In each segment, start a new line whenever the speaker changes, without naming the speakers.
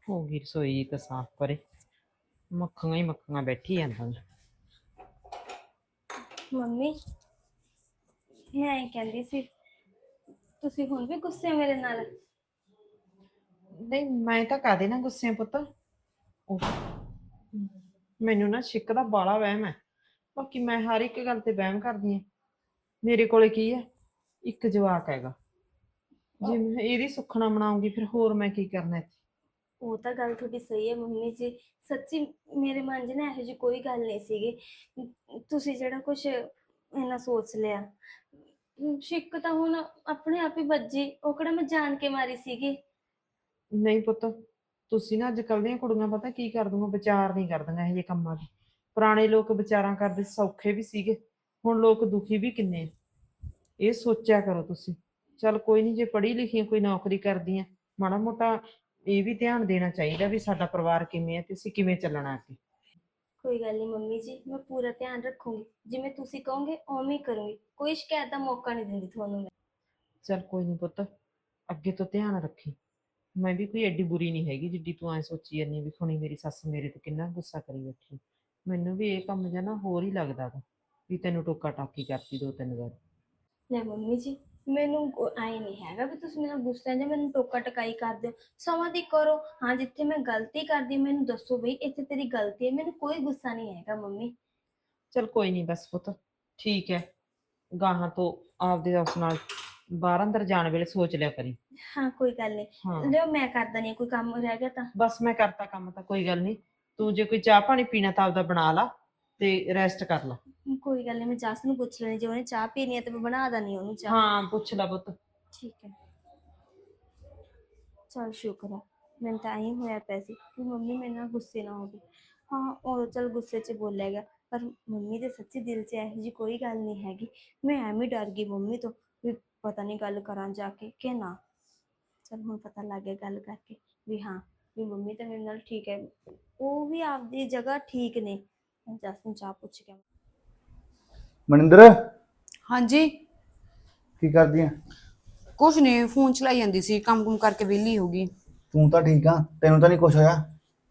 ਹੋ ਗਈ ਰਸੋਈ ਤਾਂ ਸਾਫ਼ ਕਰੇ। ਮੱਖੀਆਂ ਹੀ ਮੱਖੀਆਂ ਬੈਠੀ ਜਾਂਦੀਆਂ।
ਮੰਮੀ ਮੈਂ ਇਹ ਕਹਿੰਦੀ ਸੀ, ਤੁਸੀਂ ਹੁਣ ਵੀ ਗੁੱਸੇ ਹੋ ਮੇਰੇ ਨਾਲ?
ਨਹੀਂ, ਮੈਂ ਤਾਂ ਕਾਹਦੇ ਨਾ ਗੁੱਸੇ ਪੁੱਤ। ਉਹ ਮੈਨੂੰ ਨਾ ਸ਼ਿੱਕ ਦਾ ਬਾਲਾ ਵਹਿਮ ਹੈ। ਬਾਕੀ ਮੈਂ ਹਰ ਇੱਕ ਗੱਲ ਤੇ ਵਹਿਮ ਕਰਦੀ ਹਾਂ। ਮੇਰੇ ਕੋਲੇ ਕੀ ਹੈ, ਇੱਕ ਜਵਾਕ ਹੈਗਾ। ਜੇ ਮੈਂ ਇਹਦੀ ਸੁੱਖਣਾ ਮਨਾਉਂਗੀ ਫਿਰ ਹੋਰ ਮੈਂ ਕੀ ਕਰਨਾ ਇੱਥੇ।
ਉਹ ਤਾਂ ਗੱਲ ਤੁਹਾਡੀ ਸਹੀ ਹੈ ਮੰਮੀ ਜੀ। ਸੱਚੀ ਮੇਰੇ ਮਨ 'ਚ ਨਾ ਇਹੋ ਜਿਹੀ ਕੋਈ ਗੱਲ ਨਹੀਂ ਸੀਗੀ। ਤੁਸੀਂ ਜਿਹੜਾ ਕੁਝ ਇੰਨਾ ਸੋਚ ਲਿਆ, ਸ਼ਿੱਕ ਤਾਂ ਹੁਣ ਆਪਣੇ ਆਪ ਹੀ ਵੱਜੀ। ਉਹ ਕਿਹੜਾ ਮੈਂ ਜਾਣ ਕੇ ਮਾਰੀ ਸੀਗੀ।
ਨਹੀਂ ਪੁੱਤ, ਤੁਸੀਂ ਨਾ ਅੱਜ ਕੱਲ੍ਹ ਦੀਆਂ ਕੁੜੀਆਂ ਪਤਾ ਕੀ ਕਰਦੀਆਂ, ਵਿਚਾਰ ਨਹੀਂ ਕਰਦੀਆਂ ਇਹੋ ਜਿਹੇ ਕੰਮਾਂ ਦੇ। ਪੁਰਾਣੇ ਲੋਕ ਵਿਚਾਰਾਂ ਕਰਦੇ ਸੌਖੇ ਵੀ ਸੀਗੇ, ਹੁਣ ਲੋਕ ਦੁਖੀ ਵੀ ਕਿੰਨੇ ਆ। ਇਹ ਸੋਚਿਆ ਕਰੋ ਤੁਸੀਂ। ਚੱਲ ਕੋਈ ਨਹੀਂ, ਜੇ ਪੜ੍ਹੀ ਲਿਖੀ ਕੋਈ ਨੌਕਰੀ ਕਰਦੀ ਆ, ਮਾੜਾ ਮੋਟਾ ਇਹ ਵੀ ਧਿਆਨ ਦੇਣਾ ਚਾਹੀਦਾ ਵੀ ਸਾਡਾ ਪਰਿਵਾਰ ਕਿਵੇਂ ਹੈ ਤੇ ਅਸੀਂ ਕਿਵੇਂ ਚੱਲਣਾ ਅੱਗੇ।
ਕੋਈ ਗੱਲ ਨਹੀਂ ਮੰਮੀ ਜੀ, ਮੈਂ ਪੂਰਾ ਧਿਆਨ ਰੱਖੂੰਗੀ। ਜਿਵੇਂ ਤੁਸੀਂ ਕਹੋਗੇ ਉਵੇਂ ਹੀ ਕਰੂੰਗੀ। ਕੋਈ ਸ਼ਿਕਾਇਤ ਦਾ ਮੌਕਾ ਨਹੀਂ ਦਿੰਦੀ ਤੁਹਾਨੂੰ ਮੈਂ।
ਚੱਲ ਕੋਈ ਨਹੀਂ ਪੁੱਤ, ਅੱਗੇ ਤੋਂ ਧਿਆਨ ਰੱਖੀ। ਮੈਂ ਵੀ ਕੋਈ ਐਡੀ ਬੁਰੀ ਨਹੀਂ ਹੈਗੀ ਜਿੱਡੀ ਤੂੰ ਐ ਸੋਚੀ ਜਾਂਦੀ ਵੀ ਹੁਣੀ ਮੇਰੀ ਸੱਸ ਮੇਰੇ ਤੇ ਕਿੰਨਾ ਗੁੱਸਾ ਕਰੀ ਬੈਠੀ। ਮੈਨੂੰ ਵੀ ਇਹ ਕੰਮ ਜਿਹਾ ਨਾ ਹੋਰ ਹੀ ਲੱਗਦਾ ਵਾ ਵੀ ਤੈਨੂੰ ਟੋਕਾ ਟਾਕੀ ਕਰਤੀ 2-3 ਵਾਰ।
ਲੈ ਮੰਮੀ ਜੀ, ਮੈਨੂੰ ਆਏ ਨਹੀਂ ਹੈਗਾ ਵੀ ਤੁਸੀਂ ਮੇਰਾ ਗੁੱਸਾ ਜਾਂ ਮੈਨੂੰ ਟੋਕਾ ਟਕਾਈ ਕਰਦੇ ਹੋ। ਸਮਾਂ ਦੀ ਕਰੋ। ਹਾਂ, ਜਿੱਥੇ ਮੈਂ ਗਲਤੀ ਕਰਦੀ ਮੈਨੂੰ ਦੱਸੋ ਬਈ ਇੱਥੇ ਤੇਰੀ ਗਲਤੀ ਹੈ। ਮੈਨੂੰ ਕੋਈ ਗੁੱਸਾ ਨਹੀਂ ਹੈਗਾ ਮੰਮੀ।
ਚੱਲ ਕੋਈ ਨਹੀਂ ਬਸ ਪੁੱਤ, ਠੀਕ ਹੈ। ਗਾਹਾਂ ਤੋਂ ਆਪਦੇ ਉਸ ਨਾਲ ਬਾਹਰ ਅੰਦਰ ਜਾਣ ਵੇਲੇ ਸੋਚ ਲਿਆ ਕਰੀ।
ਹਾਂ ਕੋਈ ਗੱਲ ਨਹੀਂ।
ਹਾਂ
ਲਿਓ ਮੈਂ ਕਰਦਾ ਨਹੀਂ, ਕੋਈ ਕੰਮ ਰਹਿ ਗਿਆ ਤਾਂ।
ਬਸ ਮੈਂ ਕਰਤਾ ਕੰਮ ਤਾਂ ਕੋਈ ਗੱਲ ਨਹੀਂ। ਤੂੰ ਜੇ ਕੋਈ ਚਾਹ ਪਾਣੀ ਪੀਣਾ ਤਾਂ ਆਪਦਾ ਬਣਾ ਲਾ ਤੇ ਰੈਸਟ ਕਰ ਲਾ।
ਕੋਈ ਗੱਲ ਨਹੀਂ, ਮੈਂ ਜੱਸ ਨੂੰ ਪੁੱਛ ਲੈਣੀ, ਜੇ ਉਹਨੇ ਚਾਹ ਪੀਣੀ ਹੈ ਤੇ ਮੈਂ ਬਣਾ ਦਣੀ ਉਹਨੂੰ ਚਾਹ।
ਹਾਂ ਪੁੱਛ ਲਾ ਪੁੱਤ।
ਠੀਕ ਹੈ। ਚਲ ਸ਼ੁਕਰ ਹੈ, ਮੈਨੂੰ ਤਾਂ ਐਂ ਹੋਇਆ ਪਿਆ ਸੀ ਕਿ ਮੰਮੀ ਮੇਰੇ ਨਾਲ ਗੁੱਸੇ ਨਾ ਹੋਵੇ। ਹਾਂ ਉਹ ਚਲ ਗੁੱਸੇ 'ਚ ਬੋਲਿਆ ਗਿਆ, ਪਰ ਮੰਮੀ ਦੇ ਸੱਚੀ ਦਿਲ 'ਚ ਇਹੋ ਜਿਹੀ ਕੋਈ ਗੱਲ ਨਹੀਂ ਹੈਗੀ। ਮੈਂ ਐਵੇਂ ਡਰ ਗਈ ਮੰਮੀ ਤੋਂ ਵੀ ਪਤਾ ਨਹੀਂ ਗੱਲ ਕਰਾਂ ਜਾ ਕੇ ਕਿ ਨਾ। ਚਲ ਹੁਣ ਪਤਾ ਲੱਗ ਗਿਆ ਗੱਲ ਕਰਕੇ ਵੀ ਹਾਂ, ਵੀ ਮੰਮੀ ਤਾਂ ਮੇਰੇ ਨਾਲ ਠੀਕ ਹੈ। ਉਹ ਵੀ ਆਪਦੀ ਜਗ੍ਹਾ ਠੀਕ ਨੇ। ਮੈਂ ਜਸ ਨੂੰ ਚਾਹ ਪੁੱਛ ਕੇ।
ਮਨਿੰਦਰ,
ਹਾਂਜੀ।
ਕੀ ਕਰਦੀ ਆ?
ਕੁਛ ਨਹੀਂ, ਫੋਨ ਚਲਾਈ ਜਾਂਦੀ ਸੀ, ਕੰਮ ਕੁਮ ਕਰਕੇ ਵਿਹਲੀ ਹੋ ਗਈ।
ਤੂੰ ਤਾਂ ਠੀਕ ਆ, ਤੈਨੂੰ ਤਾਂ ਨਹੀਂ ਕੁਛ ਹੋਇਆ?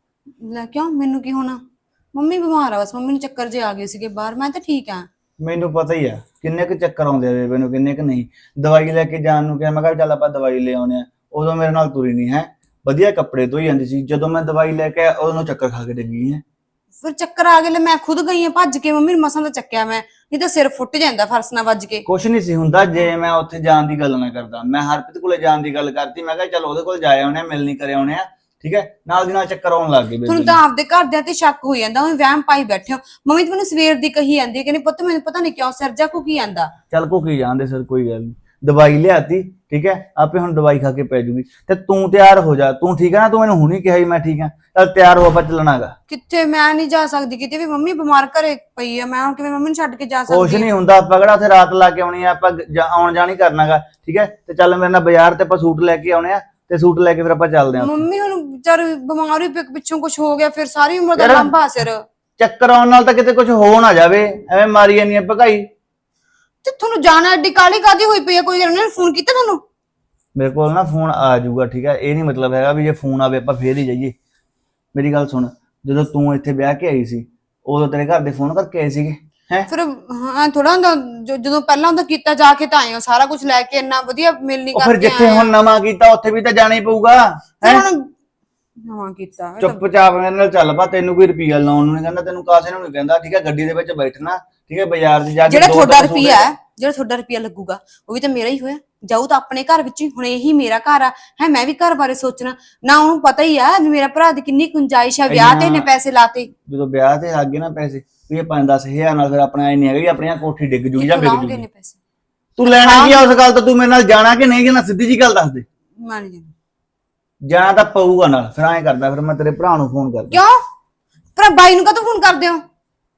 ਲੈ ਕਿਉਂ, ਮੈਨੂੰ ਕੀ ਹੋਣਾ? ਮੰਮੀ ਬਿਮਾਰ ਆ, ਬਸ ਮੰਮੀ ਨੂੰ ਚੱਕਰ ਜੇ ਆ ਗਏ ਸੀਗੇ ਬਾਹਰ। ਮੈਂ ਤਾਂ ਠੀਕ ਆ।
ਮੈਨੂੰ ਪਤਾ ਹੀ ਆ ਕਿੰਨੇ ਕੁ ਚੱਕਰ ਆਉਂਦੇ ਆ ਬੇਬੇ ਨੂੰ, ਕਿੰਨੇ ਕੁ ਨਹੀਂ। ਦਵਾਈ ਲੈ ਕੇ ਜਾਣ ਨੂੰ ਕਿਹਾ, ਮੈਂ ਕਿਹਾ ਚੱਲ ਆਪਾਂ ਦਵਾਈ ਲੈ ਆਉਨੇ ਆ। ਉਦੋਂ ਮੇਰੇ ਨਾਲ ਤੁਰੀ ਨਹੀਂ ਹੈ, ਵਧੀਆ ਕੱਪੜੇ ਧੋਈ ਜਾਂਦੀ ਸੀ। ਜਦੋਂ ਮੈਂ ਦਵਾਈ ਲੈ ਕੇ ਆਇਆ ਉਦੋਂ ਨੂੰ ਚੱਕਰ ਖਾ ਕੇ ਡਿੱਗੀ ਹੈ।
ਫਿਰ ਚੱਕਰ ਆ ਗਏ, ਲੈ ਮੈਂ ਖੁਦ ਗਈ ਆ ਭੱਜ ਕੇ। ਮੰਮੀ ਨੂੰ ਮਸਾਂ ਤਾਂ ਚੱਕਿਆ ਮੈਂ, ਨਹੀਂ ਤਾਂ ਸਿਰ ਫੁੱਟ ਜਾਂਦਾ ਫਰਸ਼ ਨਾਲ ਵੱਜ ਕੇ।
ਕੁਛ ਨਹੀਂ ਸੀ ਹੁੰਦਾ ਜੇ ਮੈਂ ਉੱਥੇ ਜਾਣ ਦੀ ਗੱਲ ਨਾ ਕਰਦਾ। ਮੈਂ ਹਰਪ੍ਰੀਤ ਕੋਲੇ ਜਾਣ ਦੀ ਗੱਲ ਕਰਤੀ। ਮੈਂ ਕਿਹਾ ਚੱਲ ਉਹਦੇ ਕੋਲ ਜਾ ਆਉਣੇ ਆ, ਮਿਲਣੀ ਕਰ ਆਉਣੇ ਆ। ਠੀਕ ਹੈ, ਨਾਲ ਦੀ ਨਾਲ ਚੱਕਰ ਆਉਣ ਲੱਗ ਗਏ ਬੇਬੇ
ਤੁਹਾਨੂੰ
ਨੂੰ।
ਤਾਂ ਆਪਦੇ ਘਰਦਿਆਂ ਤੇ ਸ਼ੱਕ ਹੋ ਜਾਂਦਾ, ਉਹ ਵਹਿਮ ਪਾਈ ਬੈਠੇ ਹੋ। ਮੰਮੀ ਤਾਂ ਮੈਨੂੰ ਸਵੇਰ ਦੀ ਕਹੀ ਜਾਂਦੀ ਹੈ, ਕਹਿੰਦੀ ਪੁੱਤ ਮੈਨੂੰ ਪਤਾ ਨਹੀਂ ਕਿਉਂ ਸਿਰ ਜਾ ਘੁਕੀ ਜਾਂਦਾ।
ਚੱਲ ਘੁਕੀ ਜਾਂਦੇ ਸਰ, ਕੋਈ ਗੱਲ ਨਹੀਂ। ਦਵਾਈ ਲਿਆਤੀ, ਠੀਕ ਹੈ, ਆਪੇ ਹੁਣ ਦਵਾਈ ਖਾ ਕੇ ਪੈ ਜੂਗੀ। ਤੇ ਤੂੰ ਤਿਆਰ ਹੋ ਜਾ, ਤੂੰ ਠੀਕ ਹੈ ਨਾ? ਤੂੰ ਮੈਨੂੰ ਹੁਣੀ ਕਿਹਾ ਸੀ ਮੈਂ ਠੀਕ ਹਾਂ। ਚੱਲ ਤਿਆਰ ਹੋ, ਆਪਾਂ ਚੱਲਣਾਗਾ।
ਕਿੱਥੇ, ਮੈਂ ਨਹੀਂ ਜਾ ਸਕਦੀ ਕਿਤੇ ਵੀ। ਮੰਮੀ ਬਿਮਾਰ ਘਰੇ ਪਈ ਆ, ਮੈਂ ਹੁਣ ਕਿਵੇਂ ਮੰਮੀ ਨੂੰ ਛੱਡ ਕੇ ਜਾ
ਕੁਛ
ਸਕਦੀ
ਨਹੀਂ ਹੁੰਦਾ, ਆਪਾਂ ਕਿਹੜਾ ਉੱਥੇ ਰਾਤ ਲਾ ਕੇ ਆਉਣੀ ਆ। ਆਪਾਂ ਆਉਣ ਜਾਣ ਹੀ ਕਰਨਾਗਾ, ਠੀਕ ਹੈ। ਤੇ ਚੱਲ ਮੇਰੇ ਨਾਲ ਬਾਜ਼ਾਰ ਤੇ ਆਪਾਂ ਸੂਟ ਲੈ ਕੇ ਆਉਣੇ ਆ, ਤੇ ਸੂਟ ਲੈ ਕੇ ਫਿਰ ਆਪਾਂ ਚੱਲਦੇ ਆ।
ਮੰਮੀ ਹੁਣ ਵਿਚਾਰ ਬਿਮਾਰ ਹੀ ਪਿੱਛੋਂ ਕੁਝ ਹੋ ਗਿਆ, ਫਿਰ ਸਾਰੀ ਉਮਰ ਦਾ ਲੰਬਾ ਸਿਰ।
ਚੱਕਰ ਆਉਣ ਨਾਲ ਤਾਂ ਕਿਤੇ ਕੁਝ ਹੋ ਨਾ ਜਾਵੇ, ਐਵੇਂ ਮਾਰੀ ਜਾਂਦੀ ਆ ਭਗਾਈ।
ਤੇ ਤੁਹਾਨੂੰ ਜਾਣਾ ਐਡੀ ਕਾਹਲੀ ਕਾਹਦੀ ਹੋਈ ਪਈ ਆ? ਕੋਈ ਉਹਨਾਂ ਨੇ ਫੋਨ ਕੀਤਾ ਤੁਹਾਨੂੰ?
ਮੇਰੇ ਕੋਲ ਨਾ ਫੋਨ ਆ ਜਾਊਗਾ, ਠੀਕ ਹੈ। ਇਹ ਨਹੀਂ ਮਤਲਬ ਹੈਗਾ ਵੀ ਜੇ ਫੋਨ ਆਵੇ ਆਪਾਂ ਫੇਰ ਹੀ ਜਾਈਏ। ਮੇਰੀ ਗੱਲ ਸੁਣ, ਜਦੋਂ ਤੂੰ ਇੱਥੇ ਵਿਆਹ ਕੇ ਆਈ ਸੀ ਉਦੋਂ ਤੇਰੇ ਘਰ ਦੇ ਫੋਨ ਕਰਕੇ ਆਏ ਸੀਗੇ ਹੈ?
ਫਿਰ ਹਾਂ ਥੋੜਾ ਹੁੰਦਾ, ਜਦੋਂ ਪਹਿਲਾਂ ਹੁੰਦਾ ਕੀਤਾ ਜਾ ਕੇ ਤਾਂ ਆਏ ਹੋ ਸਾਰਾ ਕੁਝ ਲੈ ਕੇ, ਇੰਨਾ ਵਧੀਆ ਮਿਲਣੀ
ਉਹ ਫਿਰ
ਕਰਕੇ
ਜਿੱਥੇ
ਆਏ
ਹੁਣ ਨਵਾਂ ਕੀਤਾ ਉੱਥੇ ਵੀ ਤਾਂ ਜਾਣਾ ਹੀ ਪਊਗਾ ਹੈ।
ਹੁਣ ਨਵਾਂ ਕੀਤਾ
ਚੁੱਪਚਾਪ ਮੇਰੇ ਨਾਲ ਚੱਲ ਪਾ। ਤੈਨੂੰ ਕੋਈ ਰੁਪਈਆ ਲਾਉਣ ਨੂੰ ਨਹੀਂ ਕਹਿੰਦਾ, ਤੈਨੂੰ ਕਾਸੇ ਨੂੰ ਨਹੀਂ ਕਹਿੰਦਾ, ਠੀਕ ਹੈ। ਗੱਡੀ ਦੇ ਵਿੱਚ ਬੈਠਣਾ, ਠੀਕ ਹੈ। ਬਾਜ਼ਾਰ 'ਚ ਜਾ ਕੇ
ਜਿਹੜਾ ਤੁਹਾਡਾ ਰੁਪਈਆ ਹੈ, ਜਿਹੜਾ ਤੁਹਾਡਾ ਰੁਪਈਆ ਲੱਗੂਗਾ ਉਹ ਵੀ ਤਾਂ ਮੇਰਾ ਹੀ ਹੋਇਆ। ਜਾਊ ਤਾਂ ਆਪਣੇ ਘਰ ਵਿੱਚ ਹੀ। ਹੁਣ ਇਹੀ ਮੇਰਾ ਘਰ ਆ ਹੈ, ਮੈਂ ਵੀ ਘਰ ਬਾਰੇ ਸੋਚਣਾ ਨਾ। ਉਹਨੂੰ ਪਤਾ ਹੀ ਆ ਵੀ ਮੇਰਾ ਭਰਾ ਦੀ ਕਿੰਨੀ ਗੁੰਜਾਇਸ਼ ਹੈ, ਵਿਆਹ ਤੇ ਇਹਨੇ ਪੈਸੇ ਲਾਤੇ।
ਜਦੋਂ ਵਿਆਹ ਤੇ ਆ ਗਏ ਨਾ ਪੈਸੇ, ਵੀ ਇਹ 5-10 ਹਜ਼ਾਰ ਨਾਲ ਫਿਰ ਆਪਣਾ ਇਹ ਨਹੀਂ ਹੈਗਾ ਵੀ ਆਪਣੀਆਂ ਕੋਠੀ ਡਿੱਗ ਜੂਗੀ ਜਾਂ ਵਿਕ ਜੂਗੀ।
ਪੈਸੇ
ਤੂੰ ਲੈਣਾ ਕੀ ਆ ਉਸ ਗੱਲ ਤੋਂ? ਤੂੰ ਮੇਰੇ ਨਾਲ ਜਾਣਾ ਕਿ ਨਹੀਂ ਜਾਣਾ, ਸਿੱਧੀ ਜੀ ਗੱਲ ਦੱਸ ਦੇ।
ਮੈਂ ਨਹੀਂ ਜਾਣਾ।
ਜਾਣਾ ਤਾਂ ਪਊਗਾ ਨਾਲ। ਫਿਰ ਐਂ ਕਰਦਾ, ਫਿਰ ਮੈਂ ਤੇਰੇ ਭਰਾ ਨੂੰ ਫੋਨ ਕਰਦਾ।
ਕਿਉਂ? ਪਰ ਬਾਈ ਨੂੰ ਕਾਹਤੋਂ ਫੋਨ ਕਰਦੇ ਹੋ?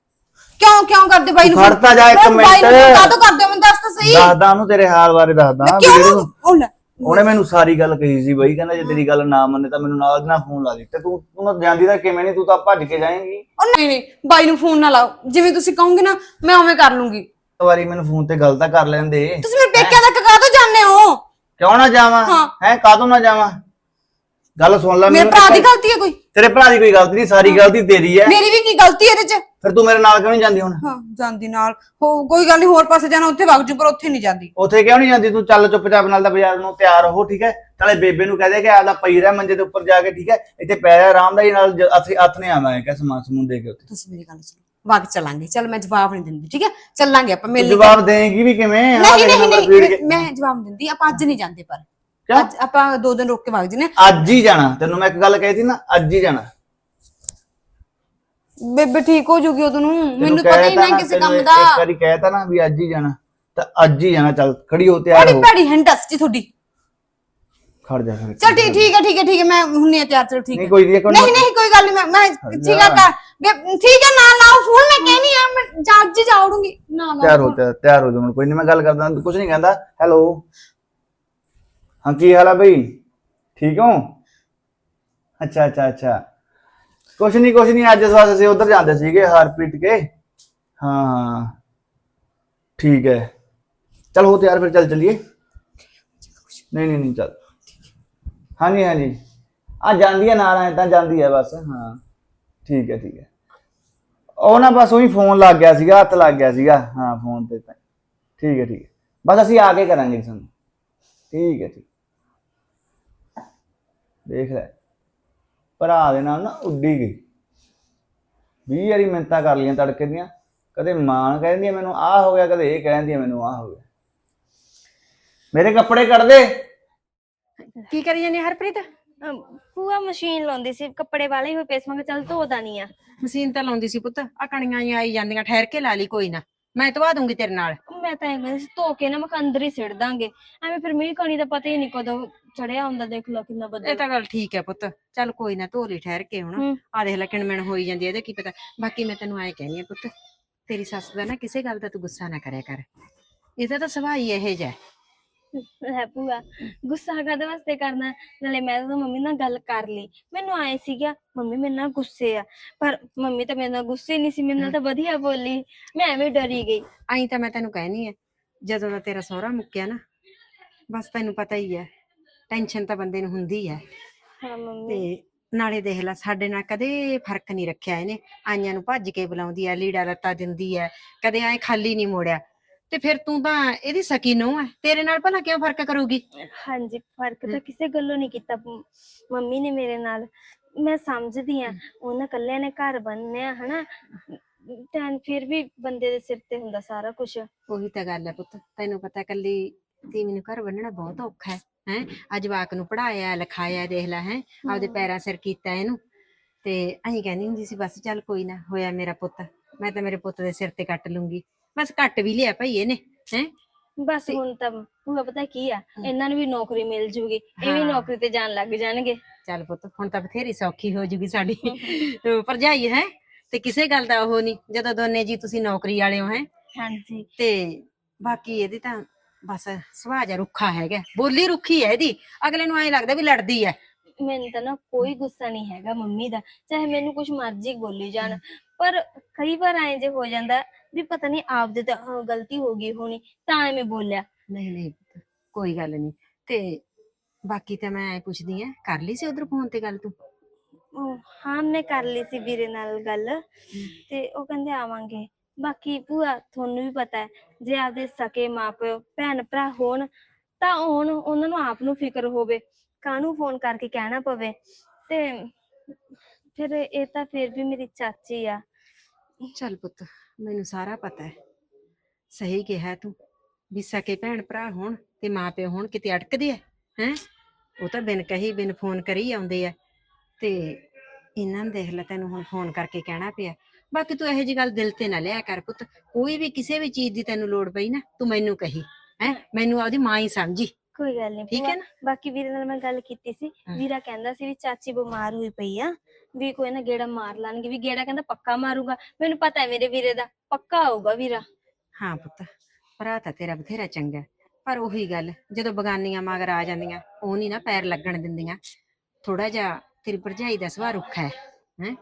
ਕਿਉਂ ਕਰਦੇ ਬਾਈ ਨੂੰ?
ਖੜਤਾ ਜਾ ਇੱਕ ਮਿੰਟ।
ਬਾਈ ਨੂੰ ਕਾਹਤੋਂ ਕਰਦੇ ਹੋ ਮੈਨੂੰ ਦੱਸ ਤਾਂ ਸਹੀ।
ਦੱਸਦਾ ਉਹਨੂੰ ਤੇਰੇ ਹਾਲ ਬਾਰੇ ਦੱਸਦਾ।
ਕਿਉਂ?
ਉਹਨੇ ਮੈਨੂੰ ਸਾਰੀ ਗੱਲ ਕਹੀ ਸੀ ਬਈ, ਕਹਿੰਦਾ ਜੇ ਤੇਰੀ ਗੱਲ ਨਾ ਮੰਨੇ ਤਾਂ ਮੈਨੂੰ ਨਾਲ ਦੀ ਨਾਲ ਫੋਨ ਲਾ ਦੇ। ਤੇ ਤੂੰ ਜਾਂਦੀ ਤਾਂ ਕਿਵੇਂ ਨਹੀਂ, ਤੂੰ ਤਾਂ ਭੱਜ ਕੇ ਜਾਏਂਗੀ।
ਉਹ ਨਹੀਂ ਬਾਈ ਨੂੰ ਫੋਨ ਨਾ ਲਾਓ, ਜਿਵੇਂ ਤੁਸੀਂ ਕਹੋਗੇ ਨਾ ਮੈਂ ਉਵੇਂ ਕਰ ਲੂੰਗੀ।
ਇੱਕ ਵਾਰੀ ਮੈਨੂੰ ਫੋਨ ਤੇ ਗੱਲ ਤਾਂ ਕਰ ਲੈਂਦੇ।
ਤੁਸੀਂ ਮੇਰੇ ਪੇਕਿਆਂ ਤੱਕ ਕਾਹਤੋਂ ਜਾਂਦੇ ਹੋ?
ਕਿਉਂ ਨਾ ਜਾਵਾਂ ਹੈ? ਕਾਹਤੋਂ ਨਾ ਜਾਵਾਂ? ਗੱਲ ਸੁਣ ਲੈ
ਮੇਰੇ
ਮੈਨੂੰ
ਭਰਾ ਦੀ ਗਲਤੀ ਹੈ ਕੋਈ?
ਤੇਰੇ ਭਰਾ ਦੀ ਕੋਈ ਗਲਤੀ ਨਹੀਂ, ਸਾਰੀ ਗਲਤੀ ਤੇਰੀ ਹੈ।
ਮੇਰੀ ਵੀ ਕੀ ਗਲਤੀ ਹੈ ਇਹਦੇ ਚ?
ਫਿਰ ਤੂੰ ਮੇਰੇ ਨਾਲ ਕਿਉਂ ਨਹੀਂ ਜਾਂਦੀ ਹੁਣ?
ਹਾਂ ਜਾਂਦੀ ਨਾਲ ਹੋ, ਕੋਈ ਗੱਲ ਨਹੀਂ, ਹੋਰ ਪਾਸੇ ਜਾਣਾ ਉੱਥੇ ਵਗ ਜੂ, ਪਰ ਉੱਥੇ ਨਹੀਂ ਜਾਂਦੀ।
ਉੱਥੇ ਕਿਉਂ ਨਹੀਂ ਜਾਂਦੀ ਤੂੰ? ਚੱਲ ਚੁੱਪਚਾਪ ਨਾਲ ਦਾ ਬਾਜ਼ਾਰ ਨੂੰ ਤਿਆਰ ਹੋ, ਠੀਕ ਹੈ? ਨਾਲੇ ਬੇਬੇ ਨੂੰ ਕਹਿ ਦੇ ਕਿ ਆਪਦਾ ਪਈ ਰਹਿ ਮੰਜੇ ਦੇ ਉੱਪਰ ਜਾ ਕੇ, ਠੀਕ ਹੈ? ਇੱਥੇ ਪੈ ਜਾ ਆਰਾਮ ਦਾ, ਨਾਲ ਅਸੀਂ ਹੱਥ ਨੇ ਆਵਾਂਗੇ ਕਿ ਸਮਾਨ ਸਮੂਨ ਦੇ ਕੇ ਉੱਥੇ।
ਤੁਸੀਂ ਮੇਰੀ ਗੱਲ ਸੁਣੋ, ਵਗ ਚੱਲਾਂਗੇ। ਚੱਲ ਮੈਂ ਜਵਾਬ ਨਹੀਂ ਦਿੰਦੀ, ਠੀਕ ਹੈ? ਚੱਲਾਂਗੇ ਆਪਾਂ
ਤੂੰ
ਮਿਲ
ਜਵਾਬ ਦੇਂਗੀ ਵੀ ਕਿਵੇਂ?
ਨਹੀਂ ਨਹੀਂ ਮੈਂ ਜਵਾਬ ਨਹੀਂ ਦਿੰਦੀ। ਆਪਾਂ ਅੱਜ ਨਹੀਂ ਜਾਂਦੇ, ਪਰ ਅੱਜ ਆਪਾਂ 2 ਦਿਨ ਰੁਕ ਕੇ ਵਗ ਜਨੇ।
ਅੱਜ ਹੀ ਜਾਣਾ, ਤੈਨੂੰ ਮੈਂ ਇੱਕ ਗੱਲ ਕਹਿਤੀ ਨਾ, ਅੱਜ ਹੀ ਜਾਣਾ।
ਬੇਬੇ ਠੀਕ ਹੋ ਜੂਗੀ ਉਦੋਂ ਨੂੰ, ਮੈਨੂੰ ਪਤਾ ਹੀ ਨਾ ਕਿਸੇ ਕੰਮ ਦਾ।
ਇੱਕ ਵਾਰੀ ਕਹਿਤਾ ਨਾ ਵੀ ਅੱਜ ਹੀ ਜਾਣਾ, ਤਾਂ ਅੱਜ ਹੀ ਜਾਣਾ। ਚੱਲ ਖੜੀ ਹੋ, ਤਿਆਰ
ਬੜੀ
ਹੋ।
ਭੈੜੀ ਹੰਡਸ ਜੀ ਤੁਹਾਡੀ।
ਖੜ ਜਾ ਫਿਰ।
ਚਲ ਠੀਕ ਹੈ ਮੈਂ ਹੁੰਨੇ ਆ ਤਿਆਰ। ਚਲੋ ਠੀਕ ਹੈ।
ਨਹੀਂ ਕੋਈ ਨਹੀਂ
ਨਹੀਂ ਕੋਈ ਗੱਲ ਨਹੀਂ, ਮੈਂ ਠੀਕ ਆ ਠੀਕ ਹੈ। ਨਾ ਲਾਓ ਫੋਨ, ਮੈਂ ਕਹਿਨੀ ਆ ਮੈਂ ਅੱਜ ਹੀ ਜਾਉੜੂਗੀ। ਨਾ ਲਾਓ
ਤਿਆਰ ਹੋ ਜਾ, ਕੋਈ ਨਹੀਂ, ਮੈਂ ਗੱਲ ਕਰਦਾ, ਕੁਝ ਨਹੀਂ ਕਹਿੰਦਾ। ਹੈਲੋ, ਹਾਂ ਕੀ ਹਾਲ ਆ ਬਈ? ਠੀਕ ਹੋ? ਅੱਛਾ ਕੁਛ ਨਹੀਂ ਅੱਜ ਸਵਾਸ ਅਸੀਂ ਉਧਰ ਜਾਂਦੇ ਸੀਗੇ ਹਰਪ੍ਰੀਤ ਕੇ। ਹਾਂ ਠੀਕ ਹੈ, ਚਲ ਹੋ ਤਿਆਰ ਫਿਰ, ਚੱਲ ਚੱਲੀਏ। ਨਹੀਂ ਚੱਲ। ਹਾਂਜੀ ਆ ਜਾਂਦੀ ਹੈ ਨਾਲ, ਐ ਤਾਂ ਜਾਂਦੀ ਹੈ ਬਸ। ਹਾਂ ਠੀਕ ਹੈ। ਉਹ ਨਾ ਬਸ ਉਹੀ ਫੋਨ ਲੱਗ ਗਿਆ ਸੀਗਾ, ਹੱਥ ਲੱਗ ਗਿਆ ਸੀਗਾ। ਹਾਂ ਫੋਨ ਤੇ ਤਾਂ ਠੀਕ ਹੈ ਬਸ ਅਸੀਂ ਆ ਕੇ ਕਰਾਂਗੇ ਤੁਹਾਨੂੰ। ਠੀਕ ਹੈ ਦੇਖ ਲੈ, ਭਰਾ ਦੇ ਨਾਲ ਨਾ ਉੱਡੀ ਗਈ। 20 ਵਾਰੀ ਮਿੰਨਤਾਂ ਕਰ ਲਈਆਂ ਤੜਕੇ ਦੀਆਂ, ਕਦੇ ਮਾਂ ਕਹਿੰਦੀ ਹੈ ਮੈਨੂੰ ਆਹ ਹੋ ਗਿਆ, ਕਦੇ ਇਹ ਕਹਿੰਦੀ ਹੈ ਮੈਨੂੰ ਆਹ ਹੋ ਗਿਆ। ਮੇਰੇ ਕੱਪੜੇ ਕੱਢ ਦੇ।
ਕੀ ਕਰੀ ਜਾਂਦੀ ਹਰਪ੍ਰੀਤ?
ਭੂਆ ਮਸ਼ੀਨ ਲਾਉਂਦੀ ਸੀ, ਕੱਪੜੇ ਵਾਲੇ ਹੋਏ ਪਏ ਸੀ, ਮੈਂ ਕਿਹਾ ਚੱਲ ਧੋਦਾ ਨਹੀਂ ਆ।
ਮਸ਼ੀਨ ਤਾਂ ਲਾਉਂਦੀ ਸੀ ਪੁੱਤ, ਆ ਕਣੀਆਂ ਹੀ ਆਈ ਜਾਂਦੀਆਂ, ਠਹਿਰ ਕੇ ਲਾ ਲਈ, ਕੋਈ ਨਾ ਮੈਂ ਧਵਾ ਦੂੰਗੀ ਤੇਰੇ ਨਾਲ।
ਮੈਂ ਤਾਂ ਐਵੇਂ ਧੋ ਕੇ ਨਾ ਮੈਂ ਕਿਹਾ ਅੰਦਰ ਹੀ ਸਿੱਟ ਦਾਂਗੇ, ਐਵੇਂ ਫਿਰ ਮੀਂਹ ਕਣੀ ਦਾ ਪਤਾ ਹੀ ਨਹੀਂ ਕਦੋਂ ਚੜਿਆ ਹੁੰਦਾ। ਦੇਖ ਲਓ ਕਿੰਨਾ
ਇਹ
ਬੱਦਲ।
ਤਾਂ ਗੱਲ ਠੀਕ ਹੈ ਪੁੱਤ, ਚੱਲ ਕੋਈ ਨਾ ਧੋ ਲਈ ਠਹਿਰ ਕੇ। ਹੁਣ ਆ ਦੇਖ ਲੈ ਕਿਣਮਿਣ ਹੋਈ ਜਾਂਦੀ, ਇਹਦੇ ਕੀ ਪਤਾ। ਬਾਕੀ ਮੈਂ ਤੈਨੂੰ ਐਂ ਕਹਿੰਦੀ ਆ ਪੁੱਤ, ਤੇਰੀ ਸੱਸ ਦਾ ਨਾ ਕਿਸੇ ਗੱਲ ਦਾ ਤੂੰ ਗੁੱਸਾ ਨਾ ਕਰਿਆ ਕਰ, ਇਹਦਾ ਤਾਂ ਸੁਭਾਅ ਹੀ ਇਹੋ ਜਿਹਾ।
ਹੈ ਭੂਆ, ਗੁੱਸਾ ਕਾਹਦੇ ਵਾਸਤੇ ਕਰਨਾ? ਨਾਲੇ ਮੈਂ ਤਾਂ ਮੰਮੀ ਨਾਲ ਗੱਲ ਕਰ ਲਈ, ਮੈਨੂੰ ਆਏ ਸੀਗਾ ਮੰਮੀ ਮੇਰੇ ਨਾਲ ਗੁੱਸੇ ਆ, ਪਰ ਮੰਮੀ ਤਾਂ ਮੇਰੇ ਨਾਲ ਗੁੱਸੇ ਨਹੀਂ ਸੀ, ਮੇਰੇ ਨਾਲ ਤਾਂ ਵਧੀਆ ਬੋਲੀ, ਮੈਂ ਐਵੇਂ ਡਰੀ ਗਈ।
ਆਈ ਤਾਂ ਮੈਂ ਤੈਨੂੰ ਕਹਿਣੀ ਆ, ਜਦੋਂ ਦਾ ਤੇਰਾ ਸਹੁਰਾ ਮੁੱਕਿਆ ਨਾ, ਬਸ ਤੈਨੂੰ ਪਤਾ ਹੀ ਹੈ, ਟੈਨਸ਼ਨ ਤਾਂ ਬੰਦੇ ਨੂੰ ਹੁੰਦੀ ਹੈ।
ਹਾਂ ਮੰਮੀ।
ਤੇ ਨਾਲੇ ਦੇਖ ਲੈ, ਸਾਡੇ ਨਾਲ ਕਦੇ ਫਰਕ ਨਹੀਂ ਰੱਖਿਆ ਇਹਨੇ, ਆਈਆਂ ਨੂੰ ਭੱਜ ਕੇ ਬੁਲਾਉਂਦੀ ਹੈ, ਲੀੜਾ ਲੱਤਾ ਦਿੰਦੀ ਹੈ, ਕਦੇ ਐ ਖਾਲੀ ਨਹੀਂ ਮੋੜਿਆ। ਤੇ ਫਿਰ ਤੂੰ ਤਾਂ ਇਹਦੀ ਸਕੀ ਨੂੰਹ ਹੈ, ਤੇਰੇ ਨਾਲ ਭਲਾ ਕਿਉਂ ਫਰਕ ਕਰੂਗੀ?
ਹਾਂਜੀ, ਫਰਕ ਤਾਂ ਕਿਸੇ ਗੱਲੋਂ ਨਹੀਂ ਕੀਤਾ ਮੰਮੀ ਨੇ ਮੇਰੇ ਨਾਲ, ਮੈਂ ਸਮਝਦੀ ਆ ਉਹਨਾਂ ਕੱਲਿਆਂ ਨੇ ਘਰ ਬੰਨਿਆ ਹਨਾ, ਤਾਂ ਫਿਰ ਵੀ ਬੰਦੇ ਦੇ ਸਿਰ ਤੇ ਹੁੰਦਾ ਸਾਰਾ ਕੁਝ।
ਉਹੀ ਤਾਂ ਗੱਲ ਹੈ ਪੁੱਤ, ਤੈਨੂੰ ਪਤਾ ਕੱਲੀ ਤੀਵੀਂ ਨੂੰ ਘਰ ਬੰਨਣਾ ਬਹੁਤ ਔਖਾ ਹੈ। ਅੱਜ ਜਵਾਕ ਨੂੰ ਪੜਾਇਆ ਲਿਖਾਇਆ, ਦੇਖ ਲੈ ਆਪਦੇ ਪੈਰਾਂ ਸਿਰ ਕੀਤਾ ਇਹਨੂੰ। ਤੇ ਅਸੀਂ ਕਹਿੰਦੀ ਹੁੰਦੀ ਸੀ ਬਸ ਚੱਲ ਕੋਈ ਨਾ, ਹੋਇਆ ਮੇਰਾ ਪੁੱਤ, ਮੈਂ ਤਾਂ ਮੇਰੇ ਪੁੱਤ ਦੇ ਸਿਰ ਤੇ ਕੱਟ ਲੂੰਗੀ। ਬਸ ਕੱਟ ਵੀ ਲਿਆ ਭਾਈ ਇਹਨੇ।
ਬਸ ਹੁਣ ਤਾਂ ਭੂਆ ਪਤਾ ਕੀ ਆ, ਇਹਨਾਂ ਨੂੰ ਵੀ ਨੌਕਰੀ ਮਿਲ ਜੂਗੀ, ਇਹ ਵੀ ਨੌਕਰੀ ਤੇ ਜਾਣ ਲੱਗ ਜਾਣਗੇ।
ਚੱਲ ਪੁੱਤ, ਹੁਣ ਤਾਂ ਬਥੇਰੀ ਸੌਖੀ ਹੋ ਜੂਗੀ ਸਾਡੀ ਭਰਜਾਈ ਹੈ, ਤੇ ਕਿਸੇ ਗੱਲ ਦਾ ਉਹ ਨਹੀਂ, ਜਦੋਂ ਦੋਨੇ ਜੀ ਤੁਸੀਂ ਨੌਕਰੀ ਵਾਲੇ ਹੋ।
ਹਾਂਜੀ।
ਤੇ ਬਾਕੀ ਇਹਦੀ ਤਾਂ ਬਸ ਸੁਭਾਅ ਜਿਹਾ ਰੁੱਖਾ ਹੈਗਾ, ਬੋਲੀ ਰੁੱਖੀ ਹੈ ਇਹਦੀ, ਅਗਲੇ ਨੂੰ ਐਂ ਲੱਗਦਾ ਵੀ ਲੜਦੀ ਹੈ।
ਮੈਨੂੰ ਤਾਂ ਨਾ ਕੋਈ ਗੁੱਸਾ ਨਹੀਂ ਹੈਗਾ ਮੰਮੀ ਦਾ, ਚਾਹੇ ਮੈਨੂੰ ਕੁਛ ਮਰਜ਼ੀ ਬੋਲੀ ਜਾਣ, ਪਰ ਕਈ ਵਾਰ ਐਂ ਜੇ ਹੋ ਜਾਂਦਾ ਵੀ ਪਤਾ ਨਹੀਂ ਆਪਦੇ ਤਾਂ ਗਲਤੀ ਹੋ ਗਈ ਹੋਣੀ ਤਾਂ ਐਵੇਂ ਬੋਲਿਆ।
ਨਹੀਂ ਕੋਈ ਗੱਲ ਨਹੀਂ। ਤੇ ਬਾਕੀ ਤਾਂ ਮੈਂ ਪੁੱਛਦੀ ਆ, ਕਰ ਲਈ ਸੀ ਉਧਰ ਫੋਨ ਤੇ ਗੱਲ ਤੂੰ?
ਹਾਂ ਮੈਂ ਕਰ ਲਈ ਸੀ ਵੀਰੇ ਨਾਲ ਗੱਲ, ਤੇ ਉਹ ਕਹਿੰਦੇ ਆਵਾਂਗੇ। ਬਾਕੀ ਭੂਆ ਤੁਹਾਨੂੰ ਵੀ ਪਤਾ ਹੈ, ਜੇ ਆਪਦੇ ਸਕੇ ਮਾਪਿਓ ਭੈਣ ਭਰਾ ਹੋਣ ਤਾਂ ਉਹਨਾਂ ਨੂੰ ਆਪ ਨੂੰ ਫਿਕਰ ਹੋਵੇ, ਕਾਹਨੂੰ ਫੋਨ ਕਰਕੇ ਕਹਿਣਾ ਪਵੇ। ਤੇ ਫਿਰ ਇਹ ਤਾਂ ਫਿਰ ਵੀ ਮੇਰੀ ਚਾਚੀ ਆ।
ਚੱਲ ਪੁੱਤ, ਮੈਨੂੰ ਸਾਰਾ ਪਤਾ ਹੈ, ਸਹੀ ਕਿਹਾ ਤੂੰ, ਵੀ ਸਕੇ ਭੈਣ ਭਰਾ ਹੋਣ ਤੇ ਮਾਂ ਪਿਓ ਹੋਣ ਕਿਤੇ ਅਟਕਦੇ ਹੈ। ਉਹ ਤਾਂ ਬਿਨ ਕਹੀ ਬਿਨ ਫੋਨ ਕਰੀ ਆਉਂਦੇ ਆ, ਤੇ ਇਹਨਾਂ ਨੂੰ ਦੇਖ ਲੈ ਤੈਨੂੰ ਹੁਣ ਫੋਨ ਕਰਕੇ ਕਹਿਣਾ ਪਿਆ। ਬਾਕੀ ਤੂੰ ਇਹੋ ਜਿਹੀ ਗੱਲ ਦਿਲ ਤੇ ਨਾ ਲਿਆ ਕਰ ਪੁੱਤ, ਕੋਈ ਵੀ ਕਿਸੇ ਵੀ ਚੀਜ਼ ਦੀ ਤੈਨੂੰ ਲੋੜ ਪਈ ਨਾ, ਤੂੰ ਮੈਨੂੰ ਕਹੀ, ਮੈਨੂੰ ਆਪਦੀ ਮਾਂ ਹੀ ਸਮਝੀ।
ਕੋਈ ਗੱਲ ਨਹੀਂ,
ਠੀਕ ਹੈ ਨਾ?
ਬਾਕੀ ਵੀਰੇ ਨਾਲ ਮੈਂ ਗੱਲ ਕੀਤੀ ਸੀ, ਵੀਰਾ ਕਹਿੰਦਾ ਸੀ ਵੀ ਚਾਚੀ ਬਿਮਾਰ ਹੋਈ ਪਈ ਆ, ਵੀ ਕੋਈ ਨਾ ਗੇੜਾ ਮਾਰ ਲਾਂਗੇ, ਵੀ ਗੇੜਾ ਕਹਿੰਦਾ ਪੱਕਾ ਮਾਰੂਗਾ। ਮੈਨੂੰ ਪਤਾ ਹੈ ਮੇਰੇ ਵੀਰੇ ਦਾ ਪੱਕਾ ਆਊਗਾ ਵੀਰਾ।
ਹਾਂ ਪੁੱਤ, ਭਰਾ ਤਾਂ ਤੇਰਾ ਬਥੇਰਾ ਚੰਗਾ, ਪਰ ਉਹੀ ਗੱਲ, ਜਦੋਂ ਬਗਾਨੀਆਂ ਮਗਰ ਆ ਜਾਂਦੀਆਂ ਉਹ ਨਹੀਂ ਨਾ ਪੈਰ ਲੱਗਣ ਦਿੰਦੀਆਂ। ਥੋੜਾ ਜਿਹਾ ਤੇਰੀ ਭਰਜਾਈ ਦਾ ਸੁਭਾਅ ਰੁੱਖਾ ਹੈ।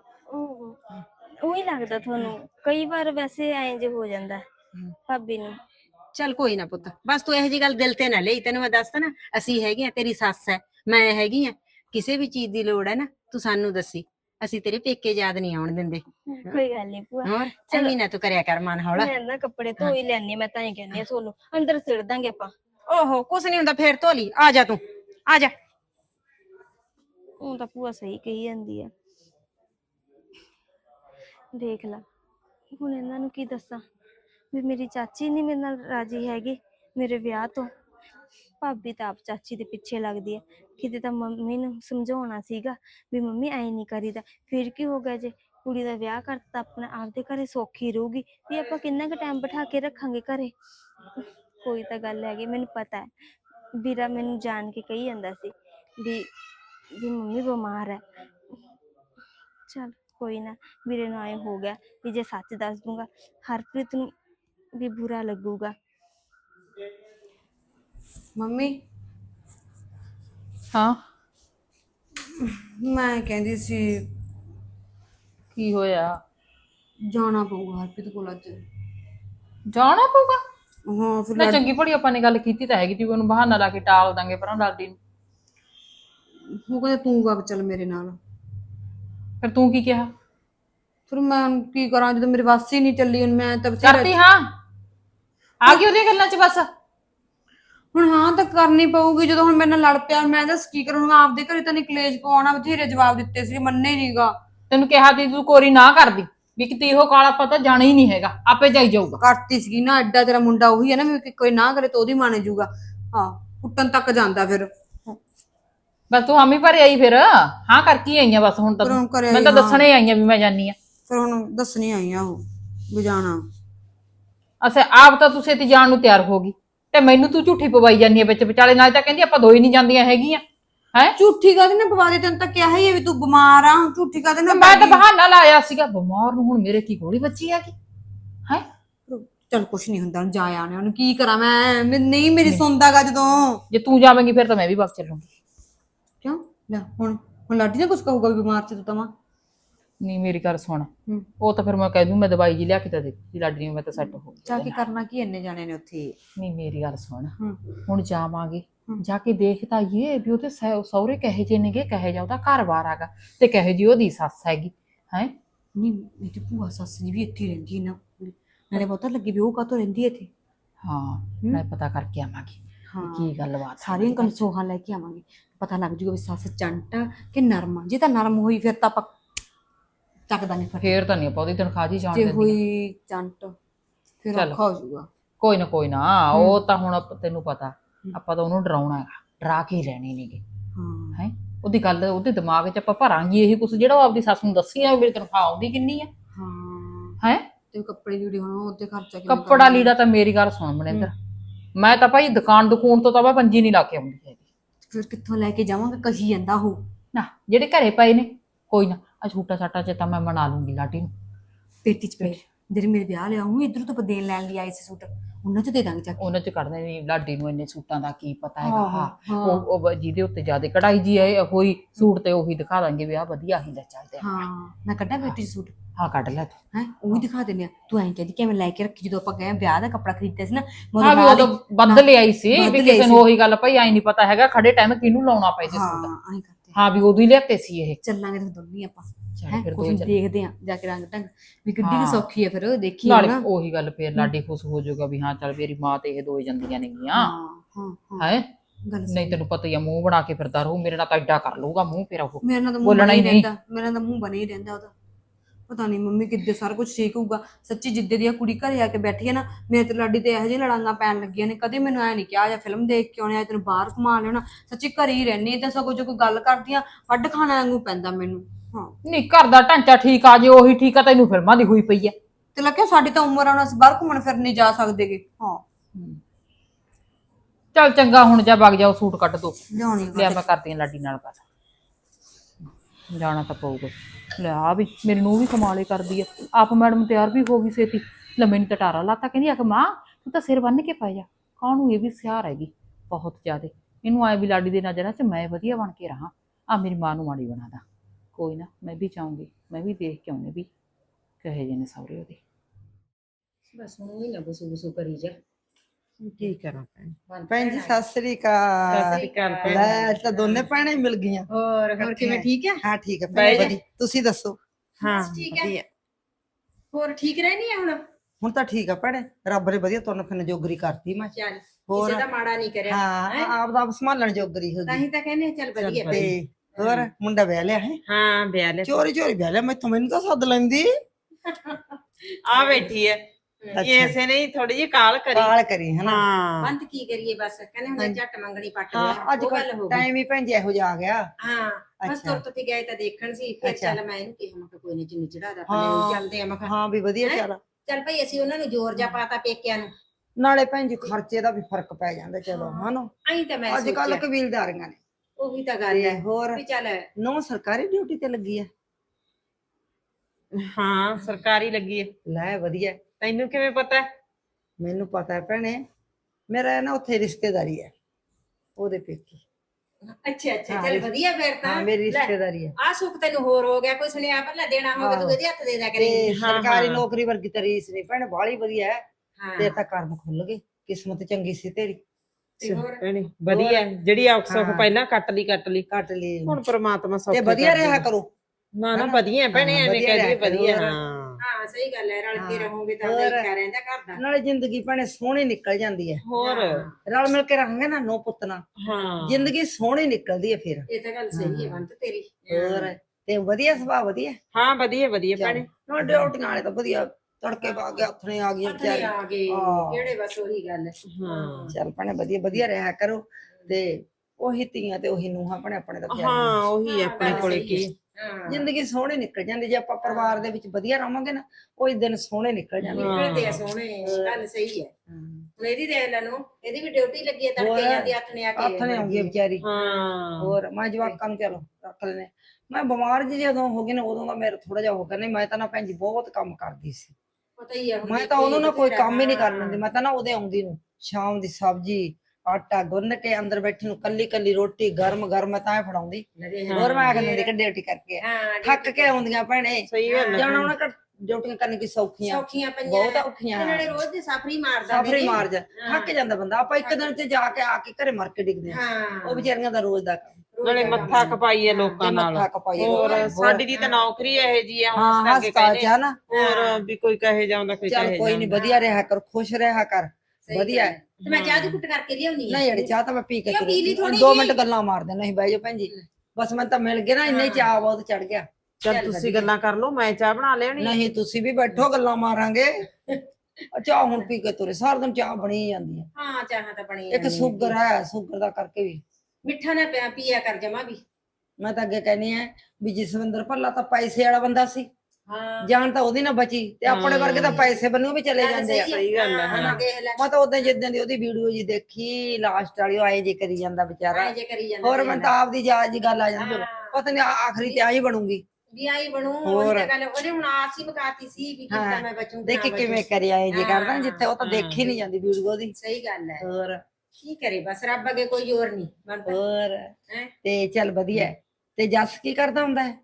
ਉਹੀ ਲੱਗਦਾ ਤੁਹਾਨੂੰ? ਕਈ ਵਾਰ ਵੈਸੇ ਐਂ ਜੇ ਹੋ ਜਾਂਦਾ ਭਾਬੀ ਨੂੰ।
ਚੱਲ ਕੋਈ ਨਾ ਪੁੱਤ, ਬਸ ਤੂੰ ਇਹੋ ਜਿਹੀ ਗੱਲ ਦਿਲ ਤੇ ਨਾ ਲਈ, ਤੈਨੂੰ ਮੈਂ ਦੱਸਦਾ ਨਾ, ਅਸੀਂ ਹੈਗੇ ਆ, ਤੇਰੀ ਸੱਸ ਹੈ, ਮੈਂ ਹੈਗੀ ਆ, ਕਿਸੇ ਵੀ ਚੀਜ਼ ਦੀ ਲੋੜ ਹੈ ਨਾ ਤੂੰ ਸਾਨੂੰ ਦੱਸੀ, ਅਸੀਂ ਤੇਰੇ ਪੇਕੇ ਯਾਦ ਨਹੀਂ ਆਉਣ ਦਿੰਦੇ।
ਕੋਈ ਗੱਲ ਨਹੀਂ ਭੂਆ।
ਹੋਰ ਚੰਗੀ ਨਾ ਤੂੰ ਕਰਿਆ ਕਰ ਮਨ ਹੌਲਾ।
ਮੈਂ ਨਾ ਕੱਪੜੇ ਧੋ ਹੀ ਲੈਣੀ, ਮੈਂ ਤਾਂ ਹੀ ਕਹਿੰਦੀ ਆ ਤੁਹਾਨੂੰ ਅੰਦਰ ਸਿੜ ਦਾਂਗੇ ਆਪਾਂ।
ਓਹੋ ਕੁਛ ਨਹੀਂ ਹੁੰਦਾ, ਫੇਰ ਧੋ ਲਈ, ਆ ਜਾ ਤੂੰ, ਆ ਜਾ।
ਉਹ ਤਾਂ ਭੂਆ ਸਹੀ ਕਹੀ ਜਾਂਦੀ ਆ। ਦੇਖ ਲਾ ਹੁਣ ਇਹਨਾਂ ਨੂੰ ਕੀ ਦੱਸਾਂ ਵੀ ਮੇਰੀ ਚਾਚੀ ਨਹੀਂ ਮੇਰੇ ਨਾਲ ਰਾਜੀ ਹੈਗੀ ਮੇਰੇ ਵਿਆਹ ਤੋਂ। ਭਾਬੀ ਤਾਂ ਆਪ ਚਾਚੀ ਦੇ ਪਿੱਛੇ ਲੱਗਦੀ ਹੈ। ਕਿਤੇ ਤਾਂ ਮੰਮੀ ਨੂੰ ਸਮਝਾਉਣਾ ਸੀਗਾ ਵੀ ਮੰਮੀ ਐਂ ਨਹੀਂ ਕਰੀਦਾ, ਫਿਰ ਕੀ ਹੋ ਗਿਆ ਜੇ ਕੁੜੀ ਦਾ ਵਿਆਹ ਕਰਤਾ ਤਾਂ ਆਪਣਾ ਆਪਦੇ ਘਰੇ ਸੌਖੀ ਰਹੂਗੀ, ਵੀ ਆਪਾਂ ਕਿੰਨਾ ਕੁ ਟਾਈਮ ਬਿਠਾ ਕੇ ਰੱਖਾਂਗੇ ਘਰੇ। ਕੋਈ ਤਾਂ ਗੱਲ ਹੈਗੀ, ਮੈਨੂੰ ਪਤਾ ਹੈ ਵੀਰਾ ਮੈਨੂੰ ਜਾਣ ਕੇ ਕਹੀ ਜਾਂਦਾ ਸੀ ਵੀ ਮੰਮੀ ਬਿਮਾਰ ਹੈ। ਚਲ ਕੋਈ ਨਾ, ਵੀਰੇ ਨੂੰ ਐਂ ਹੋ ਗਿਆ ਵੀ ਜੇ ਸੱਚ ਦੱਸ ਦੂੰਗਾ ਹਰਪ੍ਰੀਤ ਨੂੰ ਵੀ ਬੁਰਾ ਲੱਗੂਗਾ।
ਮੰਮੀ
ਹਾਂ
ਮੈਂ ਕਹਿੰਦੀ ਸੀ
ਕੀ ਹੋਇਆ?
ਜਾਣਾ ਪਊਗਾ ਹਰਪ੍ਰੀਤ ਕੋਲ ਅੱਜ।
ਜਾਣਾ ਪਊਗਾ?
ਹਾਂ ਫਿਰ
ਨਾ ਚੰਗੀ ਭਲੀ ਆਪਾਂ ਨੇ ਗੱਲ ਕੀਤੀ ਤਾਂ ਹੈਗੀ ਤੀ ਵੀ ਉਹਨੂੰ ਬਹਾਨਾ ਲਾ ਕੇ ਟਾਲ ਦਾਂਗੇ ਪਰਾਂ ਲਾਡੀ ਨੂੰ।
ਉਹ ਕਹਿੰਦਾ ਤੂੰ ਵਗ ਚੱਲ ਮੇਰੇ ਨਾਲ।
ਫਿਰ ਤੂੰ ਕੀ ਕਿਹਾ?
ਫਿਰ ਮੈਂ ਹੁਣ ਕੀ ਕਰਾਂ ਜਦੋਂ ਮੇਰੀ ਵੱਸ ਹੀ ਨਹੀਂ ਚੱਲੀ, ਹੁਣ ਮੈਂ ਤਾਂ ਬਥੇਰਾ-
ਕਰਤੀ ਹਾਂ, ਆ ਗਈ ਉਹਦੀਆਂ ਗੱਲਾਂ 'ਚ ਬਸ।
ਹੁਣ ਹਾਂ ਤਾਂ ਕਰਨੀ ਪਊਗੀ ਜਦੋਂ ਹੁਣ ਮੇਰੇ ਨਾਲ ਲੜ ਪਿਆ। ਮੈਂ ਦੱਸ ਕੀ ਕਰੂੰਗਾ, ਆਪਦੇ ਘਰੇ ਤਾਂ ਨੀ ਕਲੇਸ਼ ਪਵਾਉਣਾ, ਬਥੇਰੇ ਜਵਾਬ ਦਿੱਤੇ ਸੀ ਮੰਨੇ ਨੀਗਾ।
ਤੈਨੂੰ ਕਿਹਾ ਤੀ ਤੂੰ ਕੋਰੀ ਨਾ ਕਰਦੀ ਵੀ ਕਿਤੇ ਇਹੋ ਕਾਲਾ ਪਤਾ ਜਾਣਾ ਹੀ ਨਹੀਂ ਹੈਗਾ, ਆਪੇ ਜਾਈ ਜਾਊਗਾ।
ਕਰਤੀ ਸੀਗੀ ਨਾ, ਐਡਾ ਤੇਰਾ ਮੁੰਡਾ ਉਹੀ ਹੈ ਨਾ ਵੀ ਕੋਈ ਨਾ ਕਰੇ ਤਾਂ ਉਹਦੀ ਮੰਨ ਜੂਗਾ। ਹਾਂ ਕੁੱਟਣ ਤੱਕ ਜਾਂਦਾ ਫਿਰ।
ਬਸ ਤੂੰ ਹਾਮੀ ਭਰੇ ਆਈ ਫਿਰ, ਹਾਂ ਕਰਕੇ ਆਈਆਂ ਬਸ ਹੁਣ ਤਾਂ।
ਫਿਰ ਹੁਣ ਘਰੇ
ਮੈਂ ਤਾਂ
ਆਈ, ਹਾਂ।
ਦੱਸਣੇ ਆਈਆਂ ਵੀ ਮੈਂ ਜਾਨੀ ਆ।
ਫਿਰ ਹੁਣ ਦੱਸਣੀ ਆਈ ਆ ਉਹ ਵੀ ਜਾਣਾ।
ਅਸੇ ਆਪ ਤਾਂ ਤੁਸੀਂ ਤੇ ਜਾਣ ਨੂੰ ਤਿਆਰ ਹੋ ਗਈ ਤੇ ਮੈਨੂੰ ਤੂੰ ਝੂਠੀ ਪਵਾਈ ਜਾਨੀ ਆ ਵਿੱਚ ਵਿਚਾਲੇ। ਨਾਲ ਤਾਂ ਕਹਿੰਦੀ ਆਪਾਂ ਦੋਈ ਨਹੀਂ ਜਾਂਦੀਆਂ ਹੈਗੀਆਂ ਹੈ।
ਝੂਠੀ ਕਾਹਦੇ ਨਾਲ ਪਵਾ ਦੇ, ਤੈਨੂੰ ਤਾਂ ਕਿਹਾ ਹੀ ਹੈ ਵੀ ਤੂੰ ਬਿਮਾਰ ਆ। ਝੂਠੀ ਕਾਹਦੇ ਨਾਲ
ਮੈਂ ਤਾਂ ਬਹਾਨਾ ਲਾਇਆ ਸੀਗਾ ਬਿਮਾਰ ਨੂੰ, ਹੁਣ ਮੇਰੇ ਕੀ ਗੋਲੀ ਵੱਜੀ ਹੈਗੀ ਹੈ।
ਚੱਲ ਕੁਛ ਨਹੀਂ ਹੁੰਦਾ, ਹੁਣ ਜਾ ਆਣੇ ਉਹਨੂੰ ਕੀ ਕਰਾਂ ਮੈਂ ਨਹੀਂ ਮੇਰੀ ਸੁਣਦਾਗਾ ਜਦੋਂ।
ਜੇ ਤੂੰ ਜਾਵੇਂਗੀ ਫਿਰ ਤਾਂ ਮੈਂ ਵੀ ਵਗ ਚੱਲੂੰਗੀ।
ਕਿਉਂ ਲੈ ਹੁਣ ਲਾਡੀ ਨੇ ਕੁਛ ਕਹੂਗਾ ਵੀ ਬਿਮਾਰ ਚ ਤੂੰ ਤਾਂ।
ਨਹੀਂ ਮੇਰੀ ਗੱਲ ਸੁਣ, ਉਹ ਤਾਂ ਫਿਰ ਮੈਂ ਕਹਿ ਦੂੰ ਮੈਂ ਦਵਾਈ ਜੀ ਲਿਆ ਕੇ ਤਾਂ ਦਿੱਤੀ ਲਾਡੀ ਨੂੰ, ਮੈਂ ਤਾਂ ਸੈੱਟ ਹੋ ਗਈ।
ਜਾ ਕੇ ਕਰਨਾ ਕੀ ਇੰਨੇ ਜਾਣੇ ਨੇ ਉੱਥੇ।
ਨਹੀਂ ਮੇਰੀ ਗੱਲ ਸੁਣ, ਹੁਣ ਜਾਵਾਂਗੇ ਜਾ ਕੇ ਦੇਖ ਤਾਂ ਆਈਏ ਵੀ ਉਹਦੇ ਸਹੁਰੇ ਕਹੇ ਜੇ ਨੇਗੇ, ਕਹੇ ਜਾ ਉਹਦਾ ਘਰ-ਬਾਰ ਆਗਾ ਤੇ ਕਹੇ ਜੀ ਉਹਦੀ ਸੱਸ ਹੈਗੀ ਹੈ।
ਨਹੀਂ ਮੇਰੀ ਭੂਆ ਸੱਸ ਜੀ ਵੀ ਇੱਥੇ ਹੀ ਰਹਿੰਦੀ ਨਾ, ਨਾਲੇ ਪਤਾ ਲੱਗੀ ਵੀ ਉਹ ਕਾਹਤੋਂ ਰਹਿੰਦੀ ਇੱਥੇ।
ਹਾਂ ਮੈਂ ਪਤਾ ਕਰਕੇ ਆਵਾਂਗੀ ਕੀ ਗੱਲਬਾਤ।
ਸਾਰੀਆਂ ਕਨਸੋਹਾਂ ਲੈ ਕੇ ਆਵਾਂਗੇ, ਪਤਾ ਲੱਗ ਜੂਗਾ ਵੀ ਸੱਸ ਚੰਟ ਕਿ ਨਰਮ। ਜੇ ਤਾਂ ਨਰਮ ਹੋਈ ਫਿਰ ਤਾਂ ਆਪਾਂ ਚੱਕਦਾ ਨਹੀਂ।
ਫੇਰ ਤਾਂ ਨਹੀਂ ਆਪਾਂ ਉਹਦੀ ਤਨਖਾਹ ਜੀ ਜਾਣ
ਜੇ
ਦਿੰਦੀ।
ਹੋਈ ਚੰਟ ਫਿਰ
ਚੱਲ।
ਔਖਾ ਹੋ ਜਾਊਗਾ।
ਕੋਈ ਨਾ ਉਹ ਤਾਂ ਹੁਣ ਤੈਨੂੰ ਪਤਾ ਆਪਾਂ ਤਾਂ ਉਹਨੂੰ ਡਰਾਉਣਾ ਹੈਗਾ, ਡਰਾ ਕੇ ਹੀ ਰਹਿਣੀ ਨਹੀਂਗੀ
ਹਾਂ
ਹੈ। ਉਹਦੀ ਗੱਲ ਉਹਦੇ ਦਿਮਾਗ 'ਚ ਆਪਾਂ ਭਰਾਂਗੇ ਇਹੀ ਕੁਛ ਜਿਹੜਾ ਉਹ ਆਪਦੀ ਸੱਸ ਨੂੰ ਦੱਸੀ ਆ ਮੇਰੀ ਤਨਖਾਹ ਆਉਂਦੀ ਕਿੰਨੀ ਆ
ਹਾਂ
ਹੈ।
ਤੇ ਕੱਪੜੇ ਲੀੜੇ ਹੁਣ ਉਹਦੇ ਖਰਚਾ ਕਿਵੇਂ
ਕੱਪੜਾ ਲੀੜਾ ਤਾਂ ਮੇਰੀ ਗੱਲ ਸੁਣ ਮਨਿੰਦਰ, ਮੈਂ ਤਾਂ ਭਾਈ ਦੁਕਾਨ ਦਕੂਨ ਤੋਂ ਤਾਂ ਮੈਂ ਪੰਜੀ ਨਹੀਂ ਲਾ ਕੇ ਆਉਂਦੀ ਹੈਗੀ।
ਫਿਰ ਕਿੱਥੋਂ ਲੈ ਕੇ ਜਾਵਾਂਗੇ, ਕਹੀ ਜਾਂਦਾ ਉਹ
ਨਾ ਜਿਹੜੇ ਘਰੇ ਪਏ ਨੇ ਕੋਈ ਨਾ, ਆ ਛੂਟਾ ਛਾਟਾ 'ਚ ਤਾਂ ਮੈਂ ਮਨਾ ਲੂੰਗੀ ਲਾਡੀ ਨੂੰ।
ਪੇਟੀ ਚ ਪਏ ਜਿਹੜੇ ਮੇਰੇ ਵਿਆਹ ਲਿਆ ਉਹ ਇਧਰੋਂ ਤਾਂ ਦੇਣ ਲੈਣ ਲਈ ਆਏ ਸੀ ਸੂਟ, ਉਹਨਾਂ ਚ ਦੇ ਦਾਂਗੇ ਚੱਕ।
ਉਹਨਾਂ 'ਚ ਕੱਢਦੇ ਨਹੀਂ, ਲਾਡੀ ਨੂੰ ਇੰਨੇ ਸੂਟਾਂ ਦਾ ਕੀ ਪਤਾ ਹੈਗਾ।
ਹਾਂ
ਉਹ ਜਿਹਦੇ ਉੱਤੇ ਜ਼ਿਆਦਾ ਕਢਾਈ ਜੀ ਹੈ ਹੋਈ ਸੂਟ ਤੇ ਉਹੀ ਦਿਖਾ ਦਾਂਗੇ ਵੀ ਆਹ ਵਧੀਆ ਹੀ ਲੈ ਚੱਲਦੇ ਆ।
ਹਾਂ ਮੈਂ ਕੱਢਾਂ ਪੇਟੀ ਚ ਸੂਟ।
ਹਾਂ ਕੱਢ ਲੈ ਤੂੰ।
ਹੈ ਉਹੀ ਦਿਖਾ ਦਿੰਦੇ ਆ। ਤੂੰ ਐਂ ਕਹਿੰਦੀ ਕਿਵੇਂ ਲੈ ਕੇ ਰੱਖੀ ਜਦੋਂ ਆਪਾਂ ਗਏ ਵਿਆਹ ਦਾ ਕੱਪੜਾ ਖਰੀਦਿਆ ਸੀ ਨਾ।
ਹਾਂ ਵੀ ਉਦੋਂ ਵੱਧ ਲਿਆਈ ਸੀ ਵੀ ਕਿਸੇ ਨੂੰ ਉਹੀ ਗੱਲ ਭਾਈ ਐਂ ਨਹੀਂ ਪਤਾ ਹੈਗਾ ਖੜੇ ਟਾਈਮ ਕਿਹਨੂੰ ਲਾਉਣਾ ਪਏ ਜੇ ਸੂਟ।
ਹਾਂ ਐਂ ਕਰਦੇ
ਹਾਂ ਵੀ ਉਦੋਂ ਹੀ ਲਿਆਤੇ ਸੀ ਇਹ।
ਚੱਲਾਂਗੇ ਤਾਂ ਦੋਨੀ ਆਪਾਂ
ਚੱਲ ਫਿਰ
ਕੁਝ
ਦੋ ਚੱਲ।
ਦੇਖਦੇ ਆ ਜਾ ਕੇ ਰੰਗ ਢੰਗ ਵੀ ਕਿੱਡੀ
ਹਾਂ।
ਕੁ ਸੌਖੀ ਆ ਫਿਰ ਦੇਖੀ
ਨਾਲੇ
ਨਾ।
ਉਹੀ ਗੱਲ ਫੇਰ ਲਾਡੀ ਖੁਸ਼ ਹੋ ਜਾਊਗਾ ਵੀ ਹਾਂ ਚੱਲ ਮੇਰੀ ਮਾਂ ਤੇ ਇਹ ਦੋਏ ਜਾਂਦੀਆਂ ਨੇਗੀਆਂ
ਹਾਂ ਹਾਂ
ਹੈ।
ਗੱਲ
ਨਹੀਂ ਤੈਨੂੰ ਪਤਾ ਹੀ ਆ ਮੂੰਹ ਬਣਾ ਕੇ ਫਿਰਦਾ ਰਹੂ, ਮੇਰੇ ਨਾਲ ਤਾਂ ਐਡਾ ਕਰ ਲਊਗਾ ਮੂੰਹ ਫੇਰ ਉਹ
ਮੇਰੇ ਨਾਲ ਤਾਂ ਮੂੰਹ
ਬੋਲਣਾ
ਬਣਾ
ਹੀ
ਹੀ
ਨਹੀਂ।
ਰਹਿੰਦਾ, ਮੇਰੇ ਨਾਲ ਤਾਂ ਮੂੰਹ ਬਣਾ ਹੀ ਰਹਿੰਦਾ ਉਹਦਾ। ਪਤਾ ਨਹੀਂ ਮੰਮੀ ਕਿੱਦੇ ਸਾਰਾ ਕੁਝ ਠੀਕ ਹੋਊਗਾ। ਸੱਚੀ ਜਿੱਦੇ ਦੀ ਆ ਕੁੜੀ ਘਰੇ ਆ ਕੇ ਬੈਠੀ ਹੈ ਨਾ, ਮੇਰੇ ਤੇ ਲਾਡੀ ਤੇ ਇਹੋ ਜਿਹੀ ਲੜਾਈਆਂ ਪੈਣ ਲੱਗੀਆਂ ਨੇ। ਕਦੇ ਮੈਨੂੰ ਐ ਨਹੀਂ ਕਿਹਾ ਜਾਂ ਫਿਲਮ ਦੇਖ ਕੇ ਆਉਣੇ ਆ ਤੈਨੂੰ ਬਾਹਰ ਘੁਮਾ ਲਿਆਉਣਾ। ਸੱਚੀ ਘਰੇ ਹੀ ਰਹਿਣੀ ਤਾਂ ਸਗੋਂ ਜੋ ਕੋਈ ਗੱਲ ਕਰਦੀਆਂ ਵੱਢ ਖਾਣਾ ਵਾਂਗੂ ਪੈਂਦਾ ਮੈਨੂੰ। ਹਾਂ
ਨਹੀਂ ਘਰ ਦਾ ਢਾਂਚਾ ਠੀਕ ਆ ਜੇ ਉਹੀ ਠੀਕ ਆ, ਤੈਨੂੰ ਫਿਲਮਾਂ ਦੀ ਹੋਈ ਪਈ ਆ।
ਤੇ ਲੱਗਿਆ ਸਾਡੀ ਤਾਂ ਉਮਰ ਆਉਣਾ, ਅਸੀਂ ਬਾਹਰ ਘੁੰਮਣ ਫਿਰਨ ਨਹੀਂ ਜਾ ਸਕਦੇਗੇ। ਹਾਂ
ਚੱਲ ਚੰਗਾ ਹੁਣ ਜਾ ਵਗ ਜਾਓ, ਸੂਟ ਕੱਢ ਦੋ
ਲਿਆਉਣੀ
ਲਿਆ ਮੈਂ ਕਰਦੀ ਆਂ ਲਾਡੀ ਨਾਲ ਗੱਲ। ਜਾਣਾ ਤਾਂ ਪਊਗਾ। ਲੈ ਆ ਵੀ ਮੇਰੀ ਨੂੰਹ ਵੀ ਕਮਾਲੇ ਕਰਦੀ ਆ, ਆਪ ਮੈਡਮ ਤਿਆਰ ਵੀ ਹੋ ਗਈ ਛੇਤੀ। ਲੈ ਮੈਨੂੰ ਟਟਾਰਾ ਲਾਤਾ, ਕਹਿੰਦੀ ਆ ਕਿ ਮਾਂ ਤੂੰ ਤਾਂ ਸਿਰ ਬੰਨ ਕੇ ਪੈ ਜਾ। ਕਾਹਨੂੰ, ਇਹ ਵੀ ਸਿਆਰ ਹੈਗੀ ਬਹੁਤ ਜ਼ਿਆਦੇ। ਇਹਨੂੰ ਆਏ ਵੀ ਲਾਡੀ ਦੀ ਨਜ਼ਰਾਂ 'ਚ ਮੈਂ ਵਧੀਆ ਬਣ ਕੇ ਰਹਾਂ, ਆ ਮੇਰੀ ਮਾਂ ਨੂੰ ਮਾੜੀ ਬਣਾ ਦਾਂ। ਕੋਈ ਨਾ ਮੈਂ ਵੀ ਚਾਹੂੰਗੀ, ਮੈਂ ਵੀ ਦੇਖ ਕੇ ਆਉਣੇ ਵੀ ਕਹੇ ਜੇ ਨੇ ਸਹੁਰੇ ਉਹਦੇ।
ਬਸ ਹੁਣ ਹੀ ਨਾ ਬਸੂ ਬਸੂ ਕਰੀ ਜਾ।
ਕੀ ਕਰਾਂ ਭੈਣ?
ਭੈਣ ਜੀ ਸਤਿ ਸ੍ਰੀ
ਸਤਿ
ਅਕਾਲ।
ਸ੍ਰੀ ਅਕਾਲ ਭੈਣ।
ਲੈ ਅੱਜ ਤਾਂ ਦੋਨੇ ਭੈਣਾਂ ਹੀ ਮਿਲ ਗਈਆਂ।
ਹੋਰ ਕਿਵੇਂ ਠੀਕ ਹੈ?
ਹਾਂ ਠੀਕ ਹੈ
ਬਹਿ
ਭੈਣ
ਜਾ।
ਜੀ ਤੁਸੀਂ ਦੱਸੋ।
ਹਾਂ
ਠੀਕ ਹੈ।
ਵਧੀਆ।
ਹੋਰ ਠੀਕ ਰਹਿਣੀ ਹੈ ਹੁਣ?
ਹੁਣ ਤਾਂ ਠੀਕ ਆ ਭੈਣੇ, ਰੱਬ ਨੇ ਵਧੀਆ ਤੁਰਨ ਫਿਰਨ ਜੋਗਰੀ ਕਰਤੀ ਮੈਂ।
ਚੱਲ
ਹੋਰ
ਕਿਸੇ ਦਾ ਮਾੜਾ ਨਹੀਂ ਕਰਿਆ।
ਹਾਂ ਆਪ ਦਾ ਆਪ ਸੰਭਾਲਣ ਜੋਗਰੀ ਹੋ
ਤਾਂ
ਗਈ।
ਹੀ ਤਾਂ ਕਹਿੰਦੇ ਚੱਲ ਵਧੀਆ
ਚੱਲ
ਤੇ ਹੋਰ ਮੁੰਡਾ ਵਿਆਹ ਲਿਆ ਹੈ?
ਹਾਂ ਵਿਆਹ ਲੈ
ਚੋਰੀ ਚੋਰੀ ਵਿਆਹ ਲਿਆ, ਮੈਨੂੰ ਤਾਂ ਸੱਦ ਲੈਂਦੀ।
ਆ ਬੈਠੀ ਹੈ। ਇਸੇ ਨੇ ਥੋੜੀ ਜਿਹੀ ਕਾਲ ਕਰੀ।
ਕਾਲ ਕਰੀ ਹਨਾ।
ਹਾਂ
ਬੰਦ ਕੀ ਕਰੀਏ ਬਸ ਕਹਿੰਦੇ ਹੁੰਦੇ ਝੱਟ ਮੰਗਣੀ ਪੱਟ
ਹਾਂ
ਲਿਆ
ਅੱਜ
ਉਹ ਗੱਲ
ਕੱਲ
ਹੋ ਗਈ।
ਟਾਈਮ ਹੀ ਭੈਣ ਜੀ ਇਹੋ ਜਿਹਾ ਆ ਗਿਆ।
ਹਾਂ ਬਸ
ਅੱਛਾ।
ਤੁਰ ਤੇ ਗਏ ਤਾਂ ਦੇਖਣ ਸੀ ਫਿਰ
ਅੱਛਾ।
ਚੱਲ ਮੈਂ ਇਹਨੂੰ ਕਿਹਾ ਮੈਂ ਕਿਹਾ ਕੋਈ ਨਹੀਂ ਜਿੰਨੀ ਚੜਾਦਾ
ਹਾਂ।
ਪਲੇ ਚੱਲਦੇ ਆ ਮੈਂ ਕਿਹਾ
ਹਾਂ ਵੀ ਵਧੀਆ
ਹੈਂ?
ਚੱਲ।
ਚੱਲ ਭਾਈ ਅਸੀਂ ਉਹਨਾਂ ਨੂੰ ਜ਼ੋਰ ਜਾ ਪਾਤਾ ਪੇਕਿਆਂ ਨੂੰ।
ਨਾਲੇ ਭੈਣ ਜੀ ਖਰਚੇ ਦਾ ਵੀ ਫਰਕ ਪੈ ਜਾਂਦਾ ਚਲੋ ਹਨਾ।
ਆਈ ਤਾਂ ਮੈਂ
ਅੱਜ ਕੱਲ
ਸੋਚਿਆ
ਕਬੀਲਦਾਰੀਆਂ ਨੇ।
ਉਹੀ ਤਾਂ ਗੱਲ
ਤੇ
ਹੈ
ਹੋਰ
ਵੀ ਚੱਲ
ਨੋ ਸਰਕਾਰੀ ਡਿਊਟੀ ਤੇ ਲੱਗੀ ਹੈ।
ਹਾਂ ਸਰਕਾਰੀ ਲੱਗੀ ਹੈ।
ਲੈ ਵਧੀਆ।
ਤੈਨੂੰ ਕਿਵੇਂ ਪਤਾ?
ਮੈਨੂੰ ਪਤਾ ਹੈ ਭੈਣੇ, ਮੇਰਾ ਨਾ ਉੱਥੇ ਰਿਸ਼ਤੇਦਾਰੀ ਹੈ ਉਹਦੇ ਪੇਕੀ।
ਅੱਛਾ ਅੱਛਾ
ਹਾਂ,
ਚੱਲ ਵਧੀਆ ਫਿਰ ਤਾਂ
ਹਾਂ ਮੇਰੀ
ਲੈ,
ਰਿਸ਼ਤੇਦਾਰੀ ਹੈ।
ਆਹ ਸੁੱਖ ਤੈਨੂੰ ਹੋਰ ਹੋ ਗਿਆ ਕੋਈ ਸੁਣਿਆ ਪਹਿਲਾਂ ਦੇਣਾ ਹੋਵੇ ਤੂੰ
ਆਹੋ।
ਇਹਦੇ ਹੱਥ ਦੇ ਦਿਆ
ਤੇ
ਕਰੇਂਗੀ।
ਸਰਕਾਰੀ
ਹਾਂ।
ਨੌਕਰੀ ਵਰਗੀ ਤਾਂ ਰੀਸ ਨਹੀਂ ਭੈਣੇ, ਬਾਹਲੀ ਵਧੀਆ ਹੈ।
ਹਾਂ
ਤੇ ਤਾਂ ਕਰਮ ਖੁੱਲ ਗਏ, ਕਿਸਮਤ ਚੰਗੀ ਸੀ ਤੇਰੀ।
ਤੇ ਹੋਰ
ਭੈਣੇ ਵਧੀਆ ਹੈ। ਜਿਹੜੀ ਔਖ ਸੁੱਖ
ਹਾਂ।
ਪਹਿਲਾਂ ਕੱਟ ਲਈ
ਕੱਟ ਲਈ
ਹੁਣ ਪ੍ਰਮਾਤਮਾ ਸੌਖੇ
ਤੇ ਵਧੀਆ
ਕਰ
ਰਿਹਾ
ਦੇਗਾ।
ਕਰੋ।
ਨਾ ਨਾ
ਹਨਾ?
ਵਧੀਆ ਹੈ ਭੈਣੇ
ਹਾਂ,
ਐਵੇਂ
ਵਧੀਆ
ਕਹਿ ਦਈਏ
ਰਿਹਾ ਕਰੋ,
ਵਧੀਆ।
ਹੋਰ।
ਹਾਂ
ਹਾਂ ਸਹੀ ਗੱਲ ਹੈ ਰਲ ਕੇ
ਹਾਂ।
ਰਹੋਗੇ ਤਾਂ
ਹੋਰ।
ਉਹਦਾ ਇੱਕ ਰਹਿੰਦਾ ਘਰ ਦਾ।
ਨਾਲੇ ਜ਼ਿੰਦਗੀ ਭੈਣੇ ਸੋਹਣੀ ਨਿਕਲ ਜਾਂਦੀ ਹੈ,
ਹੋਰ
ਰਲ ਮਿਲ ਕੇ ਰਹਾਂਗੇ ਨਾ ਨੋ ਪੁੱਤ ਨਾਲ,
ਹਾਂ
ਜ਼ਿੰਦਗੀ ਸੋਹਣੀ ਨਿਕਲਦੀ ਹੈ ਫਿਰ।
ਇਹ ਤਾਂ ਗੱਲ ਸਹੀ ਹੈ ਬੰਤ ਤੇਰੀ।
ਹੋਰ ਤੇ ਵਧੀਆ ਸੁਭਾਅ ਵਧੀਆ।
ਹਾਂ ਵਧੀਆ ਵਧੀਆ ਭੈਣੇ।
ਨਾ ਡਿਊਟੀਆਂ ਵਾਲੇ ਤਾਂ ਵਧੀਆ, ਤੜਕੇ ਪਾ ਕੇ ਹੱਥਣੇ ਆ ਗਈਆਂ
ਹੱਥਨੇ ਆ ਗਏ
ਹਾਂ।
ਕਿਹੜੇ ਬਸ ਉਹੀ ਗੱਲ ਹੈ।
ਹਾਂ
ਚੱਲ ਭੈਣੇ ਵਧੀਆ ਵਧੀਆ ਰਿਹਾ ਕਰੋ। ਤੇ ਉਹੀ ਧੀਆਂ ਤੇ ਉਹੀ ਨੂੰਹਾਂ ਭੈਣੇ ਆਪਣੇ ਦਾ
ਹਾਂ ਉਹੀ ਹੈ
ਹਾਂ,
ਆਪਣੇ
ਗੱਲ
ਕੋਲੇ
ਸਹੀ
ਕੀ।
ਹਾਂ
ਜ਼ਿੰਦਗੀ ਸੋਹਣੀ ਨਿਕਲ ਜਾਂਦੀ ਜੇ ਆਪਾਂ ਪਰਿਵਾਰ ਦੇ ਵਿੱਚ ਵਧੀਆ ਰਹਾਂਗੇ ਨਾ, ਉਹ ਦਿਨ ਸੋਹਣੇ ਨਿਕਲ ਜਾਂਦੇ।
ਨਿਕਲਦੇ ਆ ਸੋਹਣੇ ਗੱਲ ਸਹੀ ਹੈ। ਹੁਣ ਇਹਦੀ ਦੇਖ ਲੈ ਨੂੰ ਇਹਦੀ ਵੀ ਡਿਊਟੀ ਲੱਗੀ ਹੈ ਤੜਕੇ
ਹੋਰ।
ਜਾਂਦੀ ਹੱਥ ਨੇ ਆ ਕੇ
ਹੱਥ ਨੇ ਆਉਂਦੀ ਵਿਚਾਰੀ।
ਹਾਂ
ਹੋਰ ਮੈਂ ਜਵਾਕਾਂ ਨੂੰ ਚਲੋ ਰੱਖ ਲੈਨੇ। ਮੈਂ ਬਿਮਾਰ ਜੀ ਜਦੋਂ ਹੋ ਗਈ ਨਾ ਉਦੋਂ ਦਾ ਮੇਰਾ ਥੋੜਾ ਜਿਹਾ ਹੋ ਗਿਆ। ਨਹੀਂ ਮੈਂ ਤਾਂ ਨਾ ਭੈਣ ਜੀ ਬਹੁਤ ਕੰਮ ਕਰਦੀ ਸੀ।
ਪਤਾ ਹੀ ਹੈ ਹੁਣ
ਮੈਂ ਤਾਂ
ਦੇਖੀ
ਉਹਨੂੰ ਨਾ ਕੋਈ
ਬਥੇਰਾ,
ਕੰਮ ਹੀ ਨਹੀਂ ਕਰਨ
ਹਾਂ।
ਦਿੰਦੀ। ਮੈਂ ਤਾਂ ਨਾ ਉਹਦੇ ਆਉਂਦੀ ਨੂੰ ਸ਼ਾਮ ਦੀ ਸਬਜ਼ੀ ਆਟਾ ਗੁੰਨ ਕੇ ਅੰਦਰ ਬੈਠੀ ਨੂੰ ਕੱਲੀ ਕੱਲੀ ਰੋਟੀ ਗਰਮ ਗਰਮ ਮੈਂ ਤਾਂ ਐ ਫੜਾਉਂਦੀ। ਹੋਰ ਮੈਂ ਆਖਦੀ ਹੁੰਦੀ ਕਿ ਡਿਊਟੀ ਕਰਕੇ
ਹਾਂ
ਥੱਕ ਕੇ ਆਉਂਦੀਆਂ ਭੈਣੇ।
ਸਹੀ ਗੱਲ ਹੈ
ਜਾਣਾ ਉਹਨਾਂ ਡਿਊਟੀਆਂ ਕਰਨ ਕੀ ਸੌਖੀਆਂ
ਸੌਖੀਆਂ ਪਈਆਂ
ਬਹੁਤ
ਨੇ।
ਔਖੀਆਂ।
ਤੇ ਨਾਲੇ ਰੋਜ਼ ਦੀ ਸਾਫਰੀ ਮਾਰਦਾ
ਸਾਫਰੀ
ਨੇ।
ਮਾਰ ਜਾ ਥੱਕ ਜਾਂਦਾ ਬੰਦਾ। ਆਪਾਂ ਇੱਕ ਦਿਨ ਚ ਜਾ ਕੇ ਆ ਕੇ ਘਰੇ ਮਰ ਕੇ ਡਿੱਗਦੇ ਆ।
ਹਾਂ
ਉਹ ਵਿਚਾਰੀਆਂ ਦਾ ਰੋਜ਼ ਦਾ ਕੰਮ।
ਨਾਲੇ ਮੱਥਾ ਖਪਾਈਏ ਲੋਕਾਂ
ਜੇ
ਨਾਲ।
ਮੱਥਾ ਖਪਾਈਏ
ਹੋਰ
ਲੋਕਾਂ ਨਾਲ।
ਸਾਡੀ ਦੀ ਤਾਂ ਨੌਕਰੀ ਇਹੋ ਜੀ ਆ ਹੁਣ
ਹਾਂ
ਅਸੀਂ ਅੱਗੇ
ਹਸਪਤਾਲ ਚ
ਕਹਿੰਦੇ
ਨਾ।
ਹੋਰ ਵੀ ਕੋਈ ਕਹੇ ਜਾਂਦਾ ਕੋਈ
ਚੱਲ
ਕਹੇ
ਕੋਈ ਨਹੀਂ
ਜਾਂਦਾ।
ਵਧੀਆ ਰਿਹਾ ਕਰ, ਖੁਸ਼ ਰਿਹਾ ਕਰ।
ਸਹੀ
ਵਧੀਆ
ਗੱਲ ਹੈ। ਤੇ ਮੈਂ ਚਾਹ ਦੀ ਕੁੱਟ ਕਰਕੇ ਲਿਆਉਣੀ
ਨਹੀਂ ਅੜੀ ਚਾਹ ਤਾਂ ਮੈਂ ਪੀ ਕੇ
ਕਿਉਂ ਪੀ ਲਈ ਥੋੜ੍ਹੀ
2
ਜਿਹੀ?
ਮਿੰਟ ਗੱਲਾਂ ਮਾਰਦੇ ਨਹੀਂ ਬਾਈ ਜੀ ਭੈਣ ਜੀ। ਬਸ ਮੈਂ ਤਾਂ ਮਿਲ ਗਿਆ ਨਾ ਇੰਨਾ ਹੀ ਚਾਹ ਬਹੁਤ ਚੜ ਗਿਆ।
ਚੱਲ ਤੁਸੀਂ ਗੱਲਾਂ ਕਰ ਲਓ ਮੈਂ ਚਾਹ ਬਣਾ ਲਿਆਉਣੀ।
ਨਹੀਂ ਤੁਸੀਂ ਵੀ ਬੈਠੋ ਗੱਲਾਂ ਮਾਰਾਂਗੇ। ਚਾਹ ਹੁਣ ਪੀ ਕੇ ਤੁਰੇ ਸਾਰਾ ਦਿਨ ਚਾਹ ਬਣੀ ਜਾਂਦੀ ਹੈ।
ਹਾਂ ਚਾਹਾਂ ਤਾਂ ਬਣੀ
ਇੱਕ ਸ਼ੂਗਰ ਹੈ, ਸ਼ੂਗਰ ਦਾ ਕਰਕੇ ਵੀ
ਮਿੱਠਾ ਨਾ ਪੀਆ ਕਰ ਜਮਾ ਵੀ।
ਮੈਂ ਤਾਂ ਅੱਗੇ ਕਹਿੰਦੀ ਆ ਵੀ ਜਸਵਿੰਦਰ ਭੱਲਾ ਤਾਂ ਪੈਸੇ ਵਾਲਾ ਬੰਦਾ ਸੀ।
ਹਾਂ
ਜਾਨ ਤਾਂ ਉਹਦੀ ਨਾ ਬਚੀ ਤੇ ਆਪਣੇ ਵਰਗੇ ਤਾਂ ਪੈਸੇ ਬੰਨੂ ਵੀ ਚਲੇ ਜਾਂਦੇ ਆ।
ਸਹੀ ਗੱਲ ਹੈ।
ਹਾਂ ਦੇਖ ਲੈ
ਮੈਂ ਤਾਂ ਉਦੋਂ ਜਿੱਦਾਂ ਦੀ ਉਹਦੀ ਵੀਡੀਓ ਜੀ ਦੇਖੀ ਲਾਸਟ ਵਾਲੀ ਆਏ ਜੇ ਕਰੀ ਜਾਂਦਾ ਵਿਚਾਰਾ।
ਐਂ ਜੇ ਕਰੀ ਜਾਂਦਾ
ਹੋਰ ਮੈਂ ਤਾਂ ਆਪਦੀ ਜਾਜ ਦੀ ਗੱਲ ਆ ਜਾਂਦੀ
ਹਾਂ।
ਪਤਾ ਨਹੀਂ ਆਖਰੀ ਤੇ ਆਹੀ ਬਣੂਗੀ।
ਵੀ ਆਈ ਬਣੂ
ਹੋਰ।
ਉਹੀ ਤਾਂ ਗੱਲ ਉਹਨੇ ਹੁਣ ਆਸ ਹੀ ਮੁਕਾਤੀ ਸੀ ਵੀ ਕਿਤਾ ਮੈਂ ਬਚੂੰ
ਦੇਖੀ ਕਿਵੇਂ ਕਰਿਆ ਇਹ ਜੇ ਕਰਦਾ ਜਿੱਥੇ ਉਹ ਤਾਂ ਦੇਖੀ ਨਹੀਂ ਜਾਂਦੀ ਵੀਡੀਓ ਦੀ।
ਸਹੀ ਗੱਲ ਹੈ।
ਹੋਰ
ਕੀ ਕਰੇ ਬਸ ਰੱਬ ਅੱਗੇ ਕੋਈ ਜ਼ੋਰ ਨਹੀਂ ਬਣਦਾ
ਹੋਰ
ਹੈਂ?
ਤੇ ਚੱਲ ਵਧੀਆ ਹੈ। ਤੇ ਜੱਸ ਕੀ ਕਰਦਾ ਹੁੰਦਾ ਹੈ?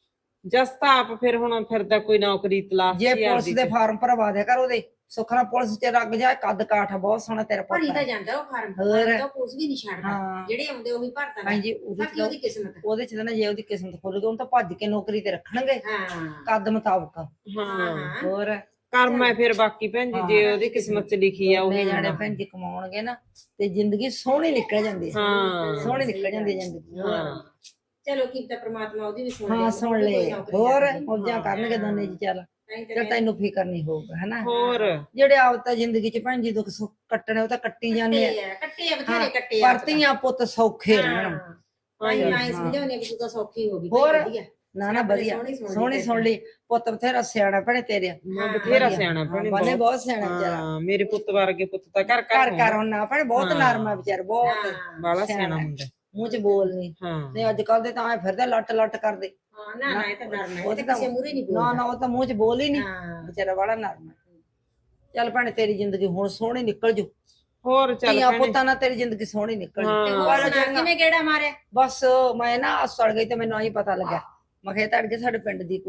ਜਸ ਤਾਂ ਆਪ ਫਿਰ ਹੁਣ ਫਿਰਦਾ ਕੋਈ ਨੌਕਰੀ ਤਲਾਸ਼
ਜੇ
ਚ
ਪੁਲਿਸ ਦੇ ਫਾਰਮ ਭਰਵਾ ਦਿਆ ਕਰ ਉਹਦੇ ਸੁਖਣਾ ਪੁਲਿਸ ਚ ਲੱਗ ਜਾ। ਕੱਦ ਕਾਠ ਆ ਬਹੁਤ ਸੋਹਣਾ ਤੇਰਾ
ਭਰੀ
ਪੁੱਤ
ਤਾਂ
ਹੈ।
ਜਾਂਦਾ ਉਹ ਫਾਰਮ
ਹੋਰ।
ਤਾਂ ਕੁਝ ਵੀ ਨਹੀਂ ਛੱਡਦਾ
ਹਾਂ
ਜਿਹੜੇ ਆਉਂਦੇ ਉਹੀ ਭਰਦਾ
ਭੈਣ ਜੀ ਉਹਦੇ
ਬਾਕੀ ਉਹਦੀ
ਚ
ਕਿਸਮਤ
ਉਹਦੇ ਚ ਤਾਂ ਨਾ ਜੇ ਉਹਦੀ ਕਿਸਮਤ ਖੁੱਲ ਗਈ ਉਹਨੂੰ ਤਾਂ ਭੱਜ ਕੇ ਨੌਕਰੀ ਤੇ ਰੱਖਣਗੇ
ਹਾਂ
ਕੱਦ ਮੁਤਾਬਕ।
ਹਾਂ
ਹੋਰ
ਕਰਮ ਹੈ ਫਿਰ ਬਾਕੀ ਭੈਣ ਜੀ ਜੇ ਉਹਦੀ ਕਿਸਮਤ ਚ ਲਿਖੀ ਆ ਉਹ
ਉਹਨੇ ਜਾਣੇ ਭੈਣ ਜੀ ਕਮਾਉਣਗੇ ਨਾ ਤੇ ਜ਼ਿੰਦਗੀ ਸੋਹਣੀ ਨਿਕਲ ਜਾਂਦੀ ਹੈ।
ਹਾਂ
ਸੋਹਣੀ ਨਿਕਲ ਜਾਂਦੀ ਹੈ ਜ਼ਿੰਦਗੀ।
ਹਾਂ
ਚਲੋ ਕੀ ਤਾਂ ਪ੍ਰਮਾਤਮਾ ਉਹਦੀ ਵੀ ਸੁਣ
ਹਾਂ ਸੁਣ ਲੈ ਹੋਰ ਮੌਜਾਂ ਕਰਨਗੇ ਦੋਨੇ ਜੀ। ਚੱਲ ਤੇ ਤੈਨੂੰ ਫਿਕਰ ਨਹੀਂ ਹੋਊਗਾ ਹਨਾ।
ਹੋਰ
ਜਿਹੜੇ ਆਪ ਤਾਂ ਜ਼ਿੰਦਗੀ ਚ ਭੈਣ ਜੀ ਦੁੱਖ ਸੁੱਖ ਕੱਟਣੇ ਉਹ ਤਾਂ ਕੱਟੀ ਜਾਂਦੇ ਆ।
ਕੱਟੇ ਆ ਬਥੇਰੇ ਕੱਟੇ ਆ
ਪਰ ਧੀਆਂ ਪੁੱਤ ਸੌਖੇ ਰਹਿਣ।
ਮੈਂ ਸਮਝਾਉਣੀ ਵੀ ਤੂੰ ਤਾਂ ਸੌਖੀ ਹੋ ਗਈ
ਹੋਰ।
ਵਧੀਆ
ਨਾ ਨਾ ਵਧੀਆ ਸੋਹਣੀ ਸੁਣ ਲਈ ਪੁੱਤ ਬਥੇਰਾ ਸਿਆਣਾ ਭੈਣੇ ਤੇਰੇ।
ਬਥੇਰਾ ਸਿਆਣਾ ਭੈਣੇ
ਬੰਨੇ ਬਹੁਤ ਸਿਆਣਾ ਵਿਚਾਰਾ।
ਹਾਂ ਮੇਰੇ ਪੁੱਤ ਵਰਗੇ ਪੁੱਤ ਤਾਂ ਘਰ
ਘਰ
ਘਰ
ਘਰ ਹੁਣ ਨਾ ਭੈਣੇ ਬਹੁਤ ਨਰਮ ਆ ਵਿਚਾਰ ਬਹੁਤ
ਬਾਲਾ ਸਿਆਣਾ ਹੁੰਦਾ।
ਮੂੰਹ ਚ ਬੋਲ ਨਹੀਂ।
ਹਾਂ
ਨਹੀਂ ਅੱਜ ਕੱਲ ਦੇ ਤਾਂ ਐ ਫਿਰਦੇ ਲੱਟ ਲੱਟ ਕਰਦੇ।
ਹਾਂ ਨਾ ਨਾ ਇਹ ਤਾਂ ਡਰਨਾ
ਉਹ
ਇਹ ਤਾਂ ਕਿਸੇ ਮੂਰੇ ਨਹੀਂ
ਨਾ ਨਾ ਉਹ ਤਾਂ ਮੂੰਹ ਚ ਬੋਲ ਹੀ ਨਹੀਂ।
ਹਾਂ
ਵਿਚਾਰਾ ਬੜਾ ਨਰਮ ਹੈ। ਚੱਲ ਭੈਣੇ ਤੇਰੀ ਜ਼ਿੰਦਗੀ ਹੁਣ ਸੋਹਣੀ ਨਿਕਲ ਜੂ।
ਹੋਰ ਚੱਲ
ਧੀਆਂ
ਭੈਣੇ
ਪੁੱਤਾਂ ਨਾਲ ਤੇਰੀ ਜ਼ਿੰਦਗੀ ਸੋਹਣੀ ਨਿਕਲ ਜੂ।
ਤੇ ਹੋਰ ਸੁਣਾ ਕਿਵੇਂ ਗੇੜਾ ਮਾਰਿਆ
ਬਸ ਮੈਂ ਨਾ ਸੜ ਗਈ ਤੇ ਮੈਨੂੰ ਆਹੀ ਪਤਾ ਲੱਗਿਆ। ਮੈਂ ਕਿਹਾ ਤੜਕੇ ਸਾਡੇ ਪਿੰਡ ਦੀ ਕੁੜੀ ਹੈ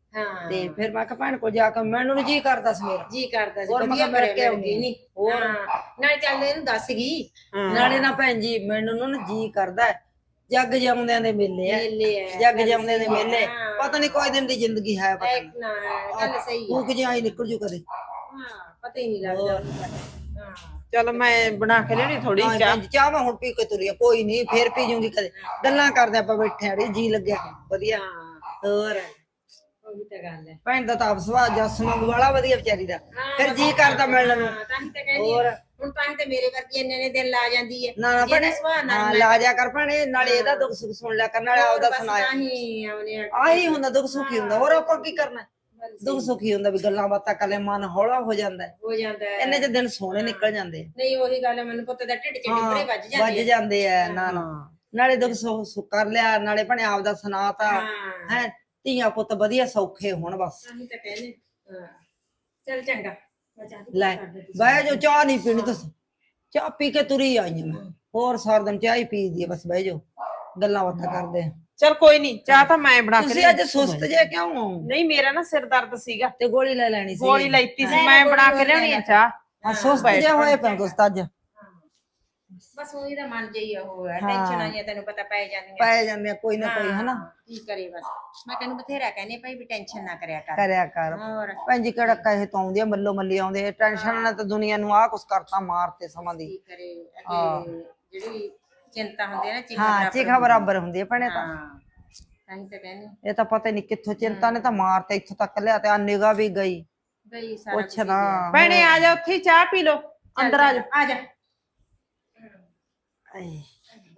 ਹਾਂ
ਤੇ ਫਿਰ ਮੈਂ ਕਿਹਾ ਭੈਣ ਕੋਲ ਜਾ ਕੇ ਮੈਨੂੰ ਨੀ ਜੀ ਕਰਦਾ ਸੀ ਮੇਰਾ
ਜੀ ਕਰਦਾ ਸੀ
ਹੋਰ ਮੈਂ
ਵਧੀਆ
ਕਿਹਾ ਮਿਲ ਕੇ
ਕਰਿਆ
ਆਉਂਦੀ
ਨਹੀਂ
ਹੋਰ
ਨਾਲੇ ਚੱਲ ਇਹਨੂੰ ਦੱਸ ਗਈ
ਨਾਲੇ ਨਾ ਭੈਣ ਜੀ ਮੈਨੂੰ ਨਾ ਜੀ ਕਰਦਾ ਹੈ, ਜੱਗ ਜਾਉਂਦਿਆਂ ਦੇ ਮੇਲੇ ਆ
ਮੇਲੇ ਆ
ਜੱਗ
ਗੱਲ
ਜਾਉਂਦਿਆਂ ਦੇ
ਸਹੀ ਆ,
ਮੇਲੇ
ਹਾਂ।
ਪਤਾ ਨਹੀਂ ਕੋਈ ਦਿਨ ਦੀ ਜ਼ਿੰਦਗੀ ਹੈ ਪਤਾ ਨਹੀਂ
ਨਾ ਗੱਲ ਸਹੀ ਆ
ਭੂਖ ਜਿਹਾ ਹੀ ਨਿਕਲ ਜੂ ਕਦੇ
ਹਾਂ ਪਤਾ ਹੀ ਨਹੀਂ ਲੱਗਦਾ ਉਹਨੂੰ ਤਾਂ। ਹਾਂ
ਚਲ ਮੈਂ ਬਣਾ ਕੇ ਲਿਆਉਣੀ ਥੋੜੀ
ਹਾਂ
ਚਾਹ
ਭੈਣ ਜੀ, ਚਾਹ ਮੈਂ ਹੁਣ ਪੀ ਕੇ ਤੁਰੀ ਆ ਕੋਈ ਨਹੀਂ ਫੇਰ ਪੀ ਜੂੰਗੀ ਕਦੇ ਗੱਲਾਂ ਕਰਦੇ ਆਪਾਂ ਬੈਠੇ ਆੜੀ ਜੀ ਲੱਗਿਆ ਵਧੀਆ ਹੋਰ
ਉਹ ਵੀ ਤਾਂ ਗੱਲ ਹੈ
ਭੈਣ ਦਾ ਤਾਂ ਆਪ ਸੁਭਾਅ ਜੱਸ ਵਾਂਗੂ ਵਾਲਾ ਵਧੀਆ ਵਿਚਾਰੀ ਦਾ ਫਿਰ ਜੀ ਕਰਦਾ ਮਿਲਣ ਨੂੰ
ਤਾਂ ਹੀ ਤਾਂ ਕਹਿੰਦੀ ਆ। ਹੁਣ ਤਾਂ ਹੀ ਤਾਂ ਮੇਰੇ ਵਰਗੀ ਇੰਨੇ ਦਿਨ ਲਾ ਜਾਂਦੀ ਹੈ
ਨਾ ਨਾ ਭੈਣੇ
ਸੁਭਾਅ ਨਾਲ
ਹਾਂ ਲਾ ਜਾ ਕਰ ਭੈਣੇ ਨਾਲੇ ਇਹਦਾ ਦੁੱਖ ਸੁੱਖ ਸੁਣ ਲਿਆ ਕਰ ਨਾਲੇ ਆਪਦਾ ਸੁਣਾਇਆ
ਹੀ ਆਉਣੇ
ਆਹੀ ਹੁੰਦਾ ਦੁੱਖ ਸੁੱਖੀ ਹੁੰਦਾ ਹੋਰ ਆਪਾਂ ਕੀ ਕਰਨਾ ਦੁੱਖ ਸੁੱਖੀ ਹੁੰਦਾ ਵੀ ਗੱਲਾਂ ਬਾਤਾਂ ਕਰੇ ਮਨ ਹੌਲਾ ਹੋ ਜਾਂਦਾ ਹੈ।
ਹੋ ਜਾਂਦਾ ਹੈ
ਇੰਨੇ ਚ ਦਿਨ ਸੋਹਣੇ ਨਿਕਲ ਜਾਂਦੇ ਆ।
ਨਹੀਂ ਉਹੀ ਗੱਲ ਹੈ ਮੈਨੂੰ ਪੁੱਤ ਦਾ ਢਿੱਡ ਚ
ਹਾਂ,
ਡਿੱਬਰੇ ਵੱਜ
ਵੱਜ
ਜਾਂਦੇ ਆ।
ਜਾਂਦੇ ਆ ਨਾ ਨਾ ਨਾਲੇ ਦੁੱਖ ਸੁੱਖ ਕਰ ਲਿਆ ਨਾਲੇ ਭੈਣੇ ਆਪਦਾ ਸੁਣਾਤਾ
ਹਾਂ
ਹੈ ਧੀਆਂ ਪੁੱਤ ਵਧੀਆ ਸੌਖੇ ਹੋਣ ਬਸ
ਤਾਂ ਹੀ ਤਾਂ ਕਹਿੰਦੇ ਹਾਂ ਚੱਲ ਚੰਗਾ ਮੈਂ ਚਾਹ ਦੀ
ਲੈ
ਕਰ ਦਿੱਤੀ।
ਬਹਿ ਜਾਓ ਚਾਹ ਨਹੀਂ ਪੀਣੀ ਤੁਸੀਂ ਚਾਹ ਪੀ ਕੇ ਤੁਰੀ ਆਈ ਹਾਂ ਮੈਂ ਹੋਰ ਸਾਰਾ ਦਿਨ ਚਾਹ ਹੀ ਪੀਦੀ ਆ ਬਸ ਬਹਿ ਜਾਓ ਗੱਲਾਂ ਬਾਤਾਂ ਕਰਦੇ ਆ
ਚਲ ਕੋਈ ਨਹੀਂ ਚਾਹ ਤਾਂ ਮੈਂ ਬਣਾ ਕੇ
ਤੁਸੀਂ ਅੱਜ ਸੁਸਤ ਜੇ ਕਿਉਂ ਹੋ
ਨਹੀਂ ਮੇਰਾ ਨਾ ਸਿਰ ਦਰਦ ਸੀਗਾ
ਤੇ ਗੋਲੀ ਲੈ ਲੈਣੀ ਸੀ
ਗੋਲੀ ਲੈਤੀ ਸੀ ਮੈਂ ਬਣਾ ਕੇ ਲਿਆਉਣੀ ਆ ਚਾਹ
ਹਾਂ ਸੁਸਤ ਜੇ ਹੋਏ ਪਏ ਤੁਸੀਂ ਤਾਂ ਅੱਜ
ਬਸ ਉਹੀ ਦਾ ਮਨ ਜਈ ਉਹ ਹੈ ਟੈਨਸ਼ਨ ਆਈਆਂ ਤੈਨੂੰ ਪਤਾ ਪੈ ਜਾਂਦੀਆਂ
ਪੈ ਜਾਂਦੇ ਆ ਕੋਈ ਨਾ ਕੋਈ ਹਨਾ
ਕੀ ਕਰੇ ਬਸ ਮੈਂ ਤੈਨੂੰ ਬਥੇਰਾ ਕਹਿੰਦੀ ਭਾਈ ਵੀ ਟੈਨਸ਼ਨ ਨਾ ਕਰਿਆ ਕਰ
ਕਰਿਆ ਕਰ
ਹੋਰ
ਭੈਣ ਜੀ ਕਿਹੜਾ ਕਹੇ ਤੋਂ ਆਉਂਦੀ ਆ ਮੱਲੋ ਮੱਲੀ ਆਉਂਦੇ ਟੈਨਸ਼ਨ ਨਾਲ ਤਾਂ ਦੁਨੀਆ ਨੂੰ ਆਹ ਕੁਛ ਕਰਤਾ ਮਾਰਤੇ ਸਮਾਂ ਦੀ
ਕੀ ਕਰੇ ਅੱਗੇ ਜਿਹੜੀ ਚਿੰਤਾ ਹੁੰਦੀ ਹੈ ਨਾ ਚੀਜ਼ਾਂ
ਹਾਂ ਚੀਖਾ ਬਰਾਬਰ ਹੁੰਦੀ ਆ ਭੈਣੇ ਤਾਂ
ਹਾਂ ਤਾਂ ਹੀ ਤਾਂ ਕਹਿੰਦੀ
ਇਹ ਤਾਂ ਪਤਾ ਨਹੀਂ ਕਿੱਥੋਂ ਚਿੰਤਾ ਨੇ ਤਾਂ ਮਾਰਤੇ ਇੱਥੋਂ ਤੱਕ ਲਿਆ ਤੇ ਆ ਨਿਗਾਹ ਵੀ ਗਈ
ਗਈ ਸਾਰਾ
ਪੁੱਛ ਨਾ
ਭੈਣੇ ਆ ਜਾ ਉੱਥੇ ਹੀ ਚਾਹ ਪੀ ਲੋ ਅੰਦਰ ਆ ਜਾ
ਆ ਜਾ
ਆਏ।